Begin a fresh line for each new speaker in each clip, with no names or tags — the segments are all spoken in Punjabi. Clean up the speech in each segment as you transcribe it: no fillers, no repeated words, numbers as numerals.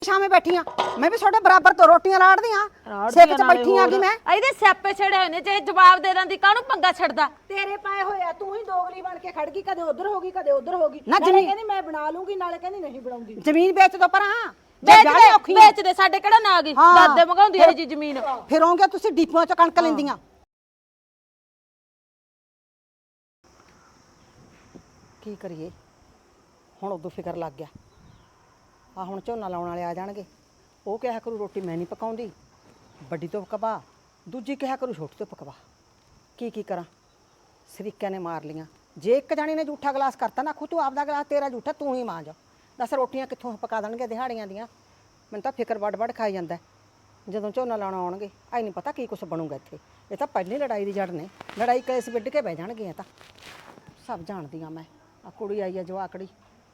ਸ਼ਾਮੇ बैठी हाँ मैं भी छोटे बराबर तो रोटियां लाड़ दी हाँ सेक च बैठी हाँ कि मैं
ਇਹਦੇ ਸਿਆਪੇ ਛੜੇ ਹੋਏ ਨੇ ਜੇ ਜਵਾਬ ਦੇ ਦਿੰਦੀ ਕਾਹਨੂੰ ਪੰਗਾ ਛੱਡਦਾ
ਤੇਰੇ ਪਾਏ ਹੋਇਆ ਤੂੰ ਹੀ ਦੋਗਲੀ ਬਣ ਕੇ ਖੜ ਗਈ ਕਦੇ ਉਧਰ ਹੋ ਗਈ ਕਦੇ ਉਧਰ ਹੋ ਗਈ
ਨਾ
ਨਾਲੇ
ਜ਼ਮੀਨ-
ਕਹਿੰਦੀ ਮੈਂ ਬਣਾ ਲੂੰਗੀ ਨਾਲੇ ਕਹਿੰਦੀ ਨਹੀਂ ਬਣਾਉਂਦੀ
ਜ਼ਮੀਨ ਵੇਚ ਦੋ ਪਰ हाँ
ਵੇਚ ਦੇ ਸਾਡੇ ਕਿਹੜਾ ਨਾ ਗਈ
ਹਾਂ।
ਦਾਦੇ ਮੰਗਾਉਂਦੀ ਹੈ ਜੀ ਜ਼ਮੀਨ
ਫਿਰੋਂਗੇ ਤੁਸੀਂ ਡੀਪੂਆਂ ਚ ਕਣਕ ਲੈਂਦੀਆਂ ਕੀ ਕਰੀਏ ਹੁਣ ਉਦੋਂ ਫਿਕਰ ਲੱਗ ਗਿਆ ਆ ਹੁਣ ਝੋਨਾ ਲਾਉਣ ਵਾਲੇ ਆ ਜਾਣਗੇ ਉਹ ਕਿਹਾ ਕਰੂ ਰੋਟੀ ਮੈਂ ਨਹੀਂ ਪਕਾਉਂਦੀ ਵੱਡੀ ਤੋਂ ਪਕਵਾ ਦੂਜੀ ਕਿਹਾ ਕਰੂ ਛੋਟੀ ਤੋਂ ਪਕਵਾ ਕੀ ਕਰਾਂ ਸਰੀਕਿਆਂ ਨੇ ਮਾਰ ਲੀਆਂ ਜੇ ਇੱਕ ਜਾਣੀ ਨੇ ਝੂਠਾ ਗਲਾਸ ਕਰਤਾ ਨਾ ਖੂ ਤੂੰ ਆਪਦਾ ਗਲਾਸ ਤੇਰਾ ਝੂਠਾ ਤੂੰ ਹੀ ਮਾਂਜ ਦੱਸ ਰੋਟੀਆਂ ਕਿੱਥੋਂ ਪਕਾ ਦੇਣਗੇ ਦਿਹਾੜੀਆਂ ਦੀਆਂ ਮੈਨੂੰ ਤਾਂ ਫਿਕਰ ਵੱਡ ਖਾਈ ਜਾਂਦਾ ਜਦੋਂ ਝੋਨਾ ਲਾਉਣਾ ਆਉਣਗੇ ਆਈ ਨਹੀਂ ਪਤਾ ਕੀ ਕੁਛ ਬਣੂਗਾ ਇੱਥੇ ਇਹ ਤਾਂ ਪਹਿਲੀ ਲੜਾਈ ਦੀ ਜੜ ਨੇ ਲੜਾਈ ਕੇਸ ਵਿੱਢ ਕੇ ਬਹਿ ਜਾਣਗੀਆਂ ਤਾਂ ਸਭ ਜਾਣਦੀਆਂ ਮੈਂ ਆ ਕੁੜੀ ਆਈ ਆ ਜਵਾਕੜੀ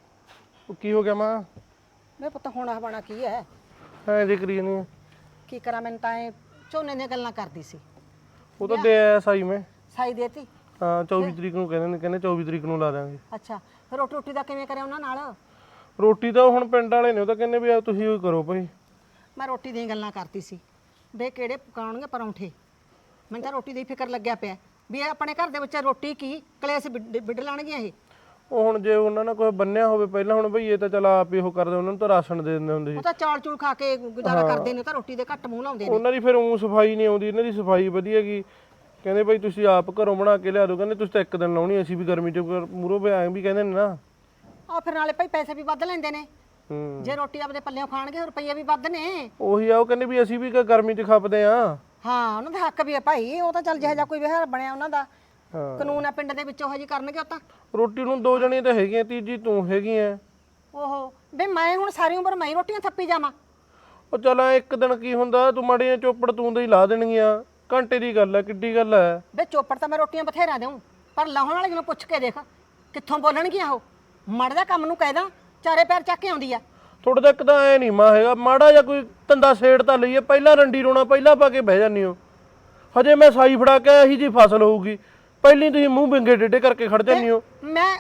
ਉਹ ਕੀ ਹੋ ਗਿਆ ਮਾਂ
ਮੈਂ ਪੁੱਤ ਹੁਣ ਆ ਬਣਾ ਕੀ ਹੈ
ਐ ਜੇ ਕਰੀ ਨਹੀਂ
ਕੀ ਕਰਾਂ ਮੈਨੂੰ ਤਾਂ ਇਹ ਝੋਨੇ ਦੀਆਂ ਗੱਲਾਂ ਕਰਦੀ ਸੀ
ਉਹ ਤਾਂ ਦੇ ਆਇਆ ਸਾਈ ਮੈਂ
ਸਾਈ ਦੇਤੀ
ਹਾਂ 24 ਤਰੀਕ ਨੂੰ ਕਹਿੰਦੇ 24 ਤਰੀਕ ਨੂੰ ਲਾ ਦਾਂਗੇ
ਅੱਛਾ ਫਿਰ ਰੋਟੀ ਰੋਟੀ ਦਾ ਕਿਵੇਂ ਕਰਿਆ ਉਹਨਾਂ ਨਾਲ
ਰੋਟੀ ਤਾਂ ਹੁਣ ਪਿੰਡ ਵਾਲੇ ਨੇ ਉਹ ਤਾਂ ਕਹਿੰਦੇ ਵੀ ਆ ਤੁਸੀਂ ਉਹ ਕਰੋ ਭਾਈ
ਮੈਂ ਰੋਟੀ ਦੀਆਂ ਗੱਲਾਂ ਕਰਦੀ ਸੀ ਵੇ ਕਿਹੜੇ ਪਕਾਉਣਗੇ ਪਰੌਂਠੇ ਮੈਨੂੰ ਤਾਂ ਰੋਟੀ ਦੀ ਫਿਕਰ ਲੱਗਿਆ ਪਿਆ ਵੀ ਇਹ ਆਪਣੇ ਘਰ ਦੇ ਵਿੱਚ ਰੋਟੀ ਕੀ ਕਲੇਸ਼ ਵਿੱਢ ਲਾਣਗੀਆਂ ਇਹ
ਉਹ ਹੁਣ ਜੇ ਉਹਨਾਂ ਨਾਲ ਕੋਈ ਬੰਨਿਆ ਹੋਵੇ ਪਹਿਲਾਂ ਹੁਣ ਭਈ ਇਹ ਤਾਂ ਚਲ ਆਪ ਹੀ ਉਹ ਕਰਦੇ ਉਹਨਾਂ ਨੂੰ ਤਾਂ ਰਾਸ਼ਨ ਦੇ ਦਿੰਦੇ ਹੁੰਦੇ ਸੀ
ਉਹ ਤਾਂ ਚਾਲ ਚੂਲ ਖਾ ਕੇ ਗੁਜ਼ਾਰਾ ਕਰਦੇ ਨੇ ਤਾਂ ਰੋਟੀ ਦੇ ਘੱਟ ਮੂੰਹ ਲਾਉਂਦੇ ਨੇ
ਉਹਨਾਂ ਦੀ ਫਿਰ ਉਹ ਸਫਾਈ ਨਹੀਂ ਆਉਂਦੀ ਇਹਨਾਂ ਦੀ ਸਫਾਈ ਵਧੀਆ ਗਈ ਕਹਿੰਦੇ ਭਾਈ ਤੁਸੀਂ ਆਪ ਘਰੋਂ ਬਣਾ ਕੇ ਲਿਆ ਦਿਓ ਕਹਿੰਦੇ ਤੁਸੀਂ ਤਾਂ ਇੱਕ ਦਿਨ ਲਾਉਣੀ ਅਸੀਂ ਵੀ ਗਰਮੀ ਚ ਮੂਰੋਂ ਵੀ ਆਏ ਵੀ ਕਹਿੰਦੇ ਨੇ ਨਾ
ਆ ਫਿਰ ਨਾਲੇ ਭਾਈ ਪੈਸੇ ਵੀ ਵੱਧ ਲੈਂਦੇ ਨੇ
ਹੂੰ
ਜੇ ਰੋਟੀ ਆਪਦੇ ਪੱਲਿਓਂ ਖਾਣਗੇ ਰੁਪਈਏ ਵੀ ਵੱਧ ਨੇ
ਉਹੀ ਆ ਉਹ ਕਹਿੰਦੇ ਵੀ ਅਸੀਂ ਵੀ ਗਰਮੀ ਚ ਖਪਦੇ ਆ
ਹਾਂ ਉਹਨਾਂ ਦਾ ਹੱਕ ਵੀ ਹੈ ਭਾਈ ਉਹ ਤਾਂ ਚੱਲ ਜਿਹੋ ਜਿਹਾ ਕੋਈ ਵਿਹਾਰ ਬਣਿਆ ਉਹਨਾਂ ਦਾ
ਹਾਂ
ਕਾਨੂੰਨ ਆ ਪਿੰਡ ਦੇ ਵਿੱਚ ਉਹੋ ਜੀ ਕਰਨਗੇ ਉਹ ਤਾਂ
ਰੋਟੀ ਨੂੰ ਦੋ ਜਣੀਆਂ ਤਾਂ ਹੈਗੀਆਂ ਤੀਜੀ ਤੂੰ ਹੈਗੀ ਐ
ਓਹੋ ਵੇ ਮੈਂ ਹੁਣ ਸਾਰੀ ਉਮਰ ਮੈਂ ਹੀ ਰੋਟੀਆਂ ਥੱਪੀ ਜਾਵਾਂ
ਉਹ ਚੱਲ ਇੱਕ ਦਿਨ ਕੀ ਹੁੰਦਾ ਤੂੰ ਮਾੜੀਆਂ ਚੋਪੜ ਤੂੰ ਦੇ ਹੀ ਲਾ ਦੇਣਗੀਆਂ ਘੰਟੇ ਦੀ ਗੱਲ ਐ ਕਿੱਡੀ ਗੱਲ ਐ
ਵੇ ਚੋਪੜ ਤਾਂ ਮੈਂ ਰੋਟੀਆਂ ਬਥੇਰਾ ਦੇਉਂ ਪਰ ਲਾਹੁਣ ਵਾਲੇ ਨੂੰ ਪੁੱਛ ਕੇ ਦੇਖ ਕਿੱਥੋਂ ਬੋਲਣਗੀਆਂ ਉਹ ਮਾੜਾ ਜਿਹਾ ਕੰਮ ਨੂੰ ਕਹਿਦਾ ਚਾਰੇ ਪੈਰ ਚੱਕ ਕੇ ਆਉਂਦੀ ਆ
ਥੋੜਾ ਤੱਕ ਤਾਂ ਐ ਨਹੀਂ ਮਾ ਹੈਗਾ ਮਾੜਾ ਜਾਂ ਕੋਈ ਧੰਦਾ ਛੇੜ ਤਾਂ ਲਈਏ ਪਹਿਲਾਂ ਰੰਡੀ ਰੋਣਾ ਪਹਿਲਾਂ ਪਾ ਕੇ ਬਹਿ ਜਾਂਦੀ ਹੋ ਹਜੇ ਮੈਂ ਸਾਈ ਫੜਾ ਕੇ ਇਹੀ ਜੀ ਫਸਲ ਹੋਊਗੀ ਪਹਿਲੀ ਤੁਸੀਂ ਮੂੰਹ ਬਿੰਗੇ ਡੇਡੇ ਕਰਕੇ ਖੜ ਜਾਂਦੀ ਹੋ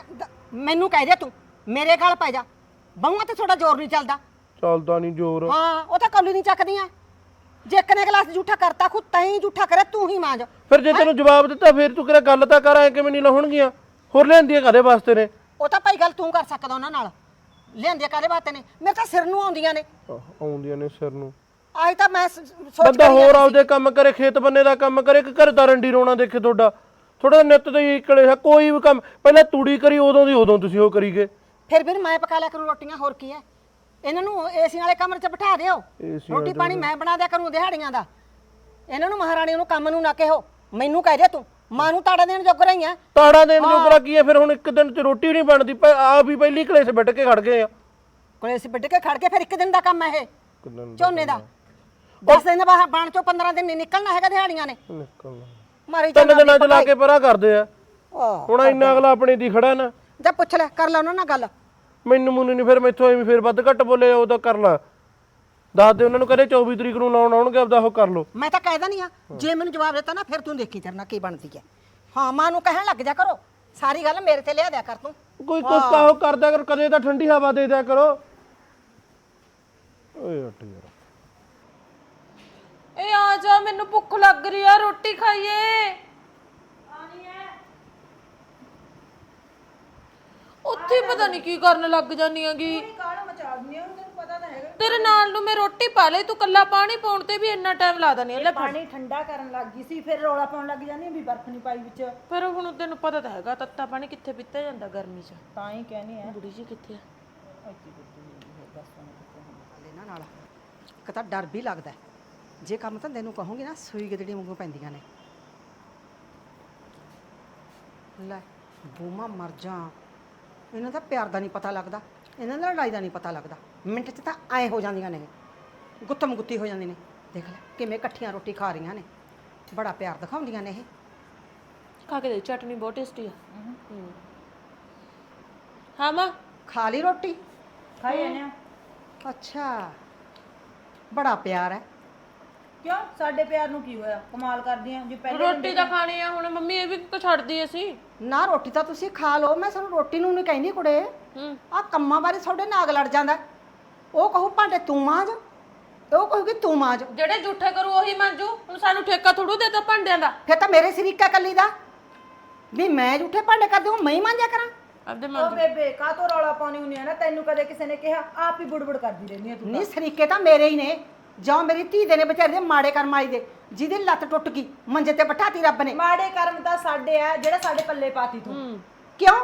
ਮੈਨੂੰ ਕਹਿ ਦੇ ਤੂੰ ਮੇਰੇ ਗਲ ਪੈ ਜਾ ਬਾਹਾਂ ਤੇ ਥੋੜਾ ਜ਼ੋਰ ਨਹੀਂ ਚੱਲਦਾ
ਚੱਲਦਾ ਨਹੀਂ ਜ਼ੋਰ
ਹਾਂ ਉਹ ਤਾਂ ਕੌਲੀ ਨਹੀਂ ਚੱਕਦੀਆਂ ਜੇ ਇੱਕ ਨੇ ਗਲਾਸ ਝੂਠਾ ਕਰਤਾ ਖੁਦ ਤੈਂ ਝੂਠਾ ਕਰਿਆ ਤੂੰ ਹੀ ਮਾਂਜ
ਫਿਰ ਜੇ ਤੈਨੂੰ ਜਵਾਬ ਦਿੱਤਾ ਫਿਰ ਤੂੰ ਕਿਹੜਾ ਗੱਲ ਤਾਂ ਕਰ ਐ ਕਿਵੇਂ ਨਹੀਂ ਲਾਉਣਗੀਆਂ ਹੋਰ ਲੈਂਦੀਆਂ ਕਾਦੇ ਵਾਸਤੇ ਨੇ
ਉਹ ਤਾਂ ਭਾਈ ਗੱਲ ਤੂੰ ਕਰ ਸਕਦਾ ਉਹਨਾਂ ਨਾਲ ਲਿਆਂਦੀਆਂ ਕਾਹਦੇ ਬਾਤੇ ਨੇ ਮੇਰੇ ਤਾਂ ਸਿਰ ਨੂੰ ਆਉਂਦੀਆਂ ਨੇ
ਆਉਂਦੀਆਂ ਨੇ ਸਿਰ ਨੂੰ
ਆਜ ਤਾਂ ਮੈਂ ਸੋਚ
ਬੰਦਾ ਹੋਰ ਆਪਦੇ ਕੰਮ ਕਰੇ ਖੇਤ ਬੰਨੇ ਦਾ ਕੰਮ ਕਰੇ ਕਿ ਘਰ ਦਾ ਰੰਡੀ ਰੋਣਾ ਦੇਖੇ ਤੁਹਾਡਾ ਥੋੜਾ ਨਿੱਤ ਤੇ ਹੀ ਕਲੇ ਕੋਈ ਵੀ ਕੰਮ ਪਹਿਲਾਂ ਤੂੜੀ ਕਰੀ ਉਦੋਂ ਤੁਸੀਂ ਉਹ ਕਰੀਗੇ
ਫਿਰ ਮੈਂ ਪਕਾ ਲਿਆ ਕਰੂੰ ਰੋਟੀਆਂ ਹੋਰ ਕੀ ਹੈ ਇਹਨਾਂ ਨੂੰ ਏਸੀ ਵਾਲੇ ਕਮਰੇ 'ਚ ਬਿਠਾ ਦਿਓ ਰੋਟੀ ਪਾਣੀ ਮੈਂ ਬਣਾ ਦਿਆ ਕਰੂੰ ਦਿਹਾੜੀਆਂ ਦਾ ਇਹਨਾਂ ਨੂੰ ਮਹਾਰਾਣੀ ਨੂੰ ਕੰਮ ਨੂੰ ਨਾ ਕਿਹੋ ਮੈਨੂੰ ਕਹਿ ਦੇ ਤੂੰ ਮਾਂ ਨੂੰ ਤਾੜਾ ਦੇਣ ਜੋਗ ਰਹੀਆਂ
ਤਾੜਾ ਦੇਣ ਜੋਗਰਾ ਕੀ ਹੈ ਫਿਰ ਹੁਣ ਇੱਕ ਦਿਨ ਚ ਰੋਟੀ ਨਹੀਂ ਬਣਦੀ ਆਪ ਵੀ ਪਹਿਲੀ ਕਲੇਸ਼ ਬੈਠ ਕੇ ਖੜ ਗਏ ਆ
ਕਲੇਸ਼ ਬਿੱਡ ਕੇ ਖੜ ਕੇ ਫਿਰ ਇੱਕ ਦਿਨ ਦਾ ਕੰਮ ਹੈ ਇਹ ਝੋਨੇ ਦਾ 10 ਦਿਨ ਬਾਹਰ ਬਣ ਚੋਂ 15 ਦਿਨ ਨਹੀਂ ਨਿਕਲਣਾ ਹੈਗਾ ਦਿਹਾੜੀਆਂ ਨੇ
ਨਿਕਲਣਾ
ਮਾਰੀ
ਤਿੰਨ ਦਿਨਾਂ ਚ ਲਾ ਕੇ ਪਰਾਂ ਕਰਦੇ ਆ ਹੁਣ ਇੰਨਾ ਅਗਲਾ ਆਪਣੇ ਦੀ ਖੜਾ ਨਾ
ਜਾ ਪੁੱਛ ਲੈ ਕਰ ਲੈ ਉਹਨਾਂ ਨਾਲ ਗੱਲ
ਮੈਨੂੰ ਨਹੀਂ ਫਿਰ ਮੈਥੋਂ ਐਵੇਂ ਫਿਰ ਵੱਧ ਘੱਟ ਬੋਲੇ ਉਹ ਤਾਂ ਕਰ ਲਾ ਦੱਸ ਦੇ ਉਹਨਾਂ ਨੂੰ ਕਹਦੇ 24 ਤਰੀਕ ਨੂੰ ਲਾਉਣ ਆਉਣਗੇ ਆਪਦਾ ਉਹ ਕਰ ਲੋ
ਮੈਂ ਤਾਂ ਕਹਿਦਾ ਨਹੀਂ ਆ ਜੇ ਮੈਨੂੰ ਜਵਾਬ ਦਿੱਤਾ ਨਾ ਫਿਰ ਤੂੰ ਦੇਖੀ ਤੇਰੇ ਨਾਲ ਕੀ ਬਣਦੀ ਹੈ ਹਾਂ ਮਾਂ ਨੂੰ ਕਹਿਣ ਲੱਗ ਜਾ ਕਰੋ ਸਾਰੀ ਗੱਲ ਮੇਰੇ ਤੇ ਲਿਆ ਦਿਆ ਕਰ ਤੂੰ
ਕੋਈ ਕੁਛ ਤਾਂ ਉਹ ਕਰਦਾ ਕਰ ਕਦੇ ਤਾਂ ਠੰਡੀ ਹਵਾ ਦੇ ਦਿਆ ਕਰੋ ਓਏ ਹਟ ਯਾਰ
ਇਹ ਆ ਜਾ ਮੈਨੂੰ ਭੁੱਖ ਲੱਗ ਰਹੀ ਆ ਰੋਟੀ ਖਾਈਏ ਉੱਥੇ ਪਤਾ ਨਹੀਂ ਕੀ ਕਰਨ ਲੱਗ ਜਾਨੀ ਆਗੀ
ਕਾਹਲਾ ਮਚਾ ਦਿੰਦੀ ਆ ਤੈਨੂੰ ਪਤਾ ਤਾਂ ਹੈਗਾ
ਤੇਰੇ ਨਾਲ ਨੂੰ ਮੈਂ ਰੋਟੀ ਪਾ ਲਈ ਤੂੰ ਕੱਲਾ ਪਾਣੀ ਪਾਉਣ ਤੇ ਵੀ ਇੰਨਾ ਟਾਈਮ ਲਾ ਦਨੀ ਲੈ
ਪਾਣੀ ਠੰਡਾ ਕਰਨ ਲੱਗ ਗਈ ਸੀ ਫਿਰ ਰੌਲਾ ਪਾਉਣ ਲੱਗ ਜਾਂਦੀ ਵੀ ਬਰਫ਼ ਨਹੀਂ ਪਾਈ ਵਿੱਚ
ਪਰ ਹੁਣ ਤੈਨੂੰ ਪਤਾ ਤਾਂ ਹੈਗਾ ਤੱਤਾ ਪਾਣੀ ਕਿੱਥੇ ਪੀਤਾ ਜਾਂਦਾ ਗਰਮੀ 'ਚ
ਤਾਂ ਹੀ ਕਹਿੰਦੀ ਆ
ਬੁੜੀ ਜੀ ਕਿੱਥੇ ਆ
ਇਹਨਾਂ ਨਾਲ ਇੱਕ ਤਾਂ ਡਰ ਵੀ ਲੱਗਦਾ ਜੇ ਕੰਮ ਧੰਦੇ ਨੂੰ ਕਹੋਗੇ ਨਾ ਸੂਈ ਗਦੜੀ ਵਾਂਗੂ ਪੈਂਦੀਆਂ ਨੇ ਲੈ ਬੂਮਾ ਮਰ ਜਾ ਇਹਨਾਂ ਦਾ ਪਿਆਰ ਦਾ ਨਹੀਂ ਪਤਾ ਲੱਗਦਾ ਇਹਨਾਂ ਦਾ ਲੜਾਈ ਦਾ ਨਹੀਂ ਪਤਾ ਲੱਗਦਾ ਮਿੰਟ 'ਚ ਤਾਂ ਐ ਹੋ ਜਾਂਦੀਆਂ ਨੇ ਗੁੱਤਮ ਗੁੱਤੀ ਹੋ ਜਾਂਦੀ ਨੇ ਦੇਖ ਲੈ ਕਿਵੇਂ ਇਕੱਠੀਆਂ ਰੋਟੀ ਖਾ ਰਹੀਆਂ ਨੇ ਬੜਾ ਪਿਆਰ ਦਿਖਾਉਂਦੀਆਂ ਨੇ ਇਹ
ਖਾ ਕੇ ਦੇ ਚਟਨੀ ਬਹੁਤ ਟੇਸਟੀ ਆ ਹਾਂ ਮਾਂ
ਖਾ ਲਈ ਰੋਟੀ
ਖਾਈ ਜਾਂਦੇ ਆ
ਅੱਛਾ ਬੜਾ ਪਿਆਰ ਹੈ
ਕਿਉਂ ਸਾਡੇ ਪਿਆਰ ਨੂੰ ਕੀ ਹੋਇਆ ਕਮਾਲ ਕਰਦੀਆਂ ਜੇ ਪਹਿਲੇ
ਰੋਟੀ ਤਾਂ ਖਾਣੀ ਆ ਹੁਣ ਮੰਮੀ ਇਹ ਵੀ ਤਾਂ ਛੱਡਦੀ ਅਸੀਂ
ਨਾ ਰੋਟੀ ਤਾਂ ਤੁਸੀਂ ਖਾ ਲਓ ਮੈਂ ਤੁਹਾਨੂੰ ਰੋਟੀ ਨੂੰ ਨਹੀਂ ਕਹਿੰਦੀ ਕੁੜੇ ਆ ਕੰਮਾਂ ਬਾਰੇ ਤੁਹਾਡੇ ਨਾਗ ਲੜ ਜਾਂਦਾ ਉਹ ਕਹੂ ਭਾਂਡੇ ਤੂੰ ਮਾਂਜ, ਉਹ ਕਹੂਗੀ ਤੂੰ ਮਾਂਜ।
ਜਿਹੜੇ ਝੂਠੇ ਕਰੂ ਉਹੀ ਮੰਜੂ। ਹੁਣ ਸਾਨੂੰ ਠੇਕਾ ਥੋੜੂ ਦੇਤਾ ਭਾਂਡਿਆਂ ਦਾ।
ਫਿਰ ਤਾਂ ਮੇਰੇ ਸਰੀਕਾ ਕੱਲੀ ਦਾ ਵੀ ਮੈਂ ਝੂਠੇ ਭਾਂਡੇ ਕਰਦੀ ਹਾਂ, ਮੈਂ ਹੀ ਮਾਂਜਿਆ ਕਰਾਂ।
ਆਪਦੇ
ਓ ਬੇਬੇ ਕਾ ਤੋਂ ਰੌਲਾ ਪਾਉਣੀ ਹੁੰਨੀ ਆ ਨਾ, ਤੈਨੂੰ ਕਦੇ ਕਿਸੇ ਨੇ ਕਿਹਾ? ਆਪ ਹੀ ਬੁੜਬੁੜ ਕਰਦੀ ਰਹਿੰਦੀ ਆ ਤੂੰ।
ਨਹੀਂ ਸਰੀਕੇ ਤਾਂ ਮੇਰੇ ਹੀ ਨੇ, ਜਾਂ ਮੇਰੀ ਧੀ ਦੇ ਨੇ ਵਿਚਾਰੇ ਦੇ ਮਾੜੇ ਕਰਮ ਆਈ ਦੇ, ਜਿਹਦੀ ਲੱਤ ਟੁੱਟ ਗਈ ਮੰਜੇ ਤੇ ਬਿਠਾਤੀ ਰੱਬ ਨੇ।
ਮਾੜੇ ਕਰਮ ਤਾਂ ਸਾਡੇ ਆ, ਜਿਹੜਾ ਸਾਡੇ ਪੱਲੇ ਪਾਤੀ ਤੂੰ।
ਕਿਉਂ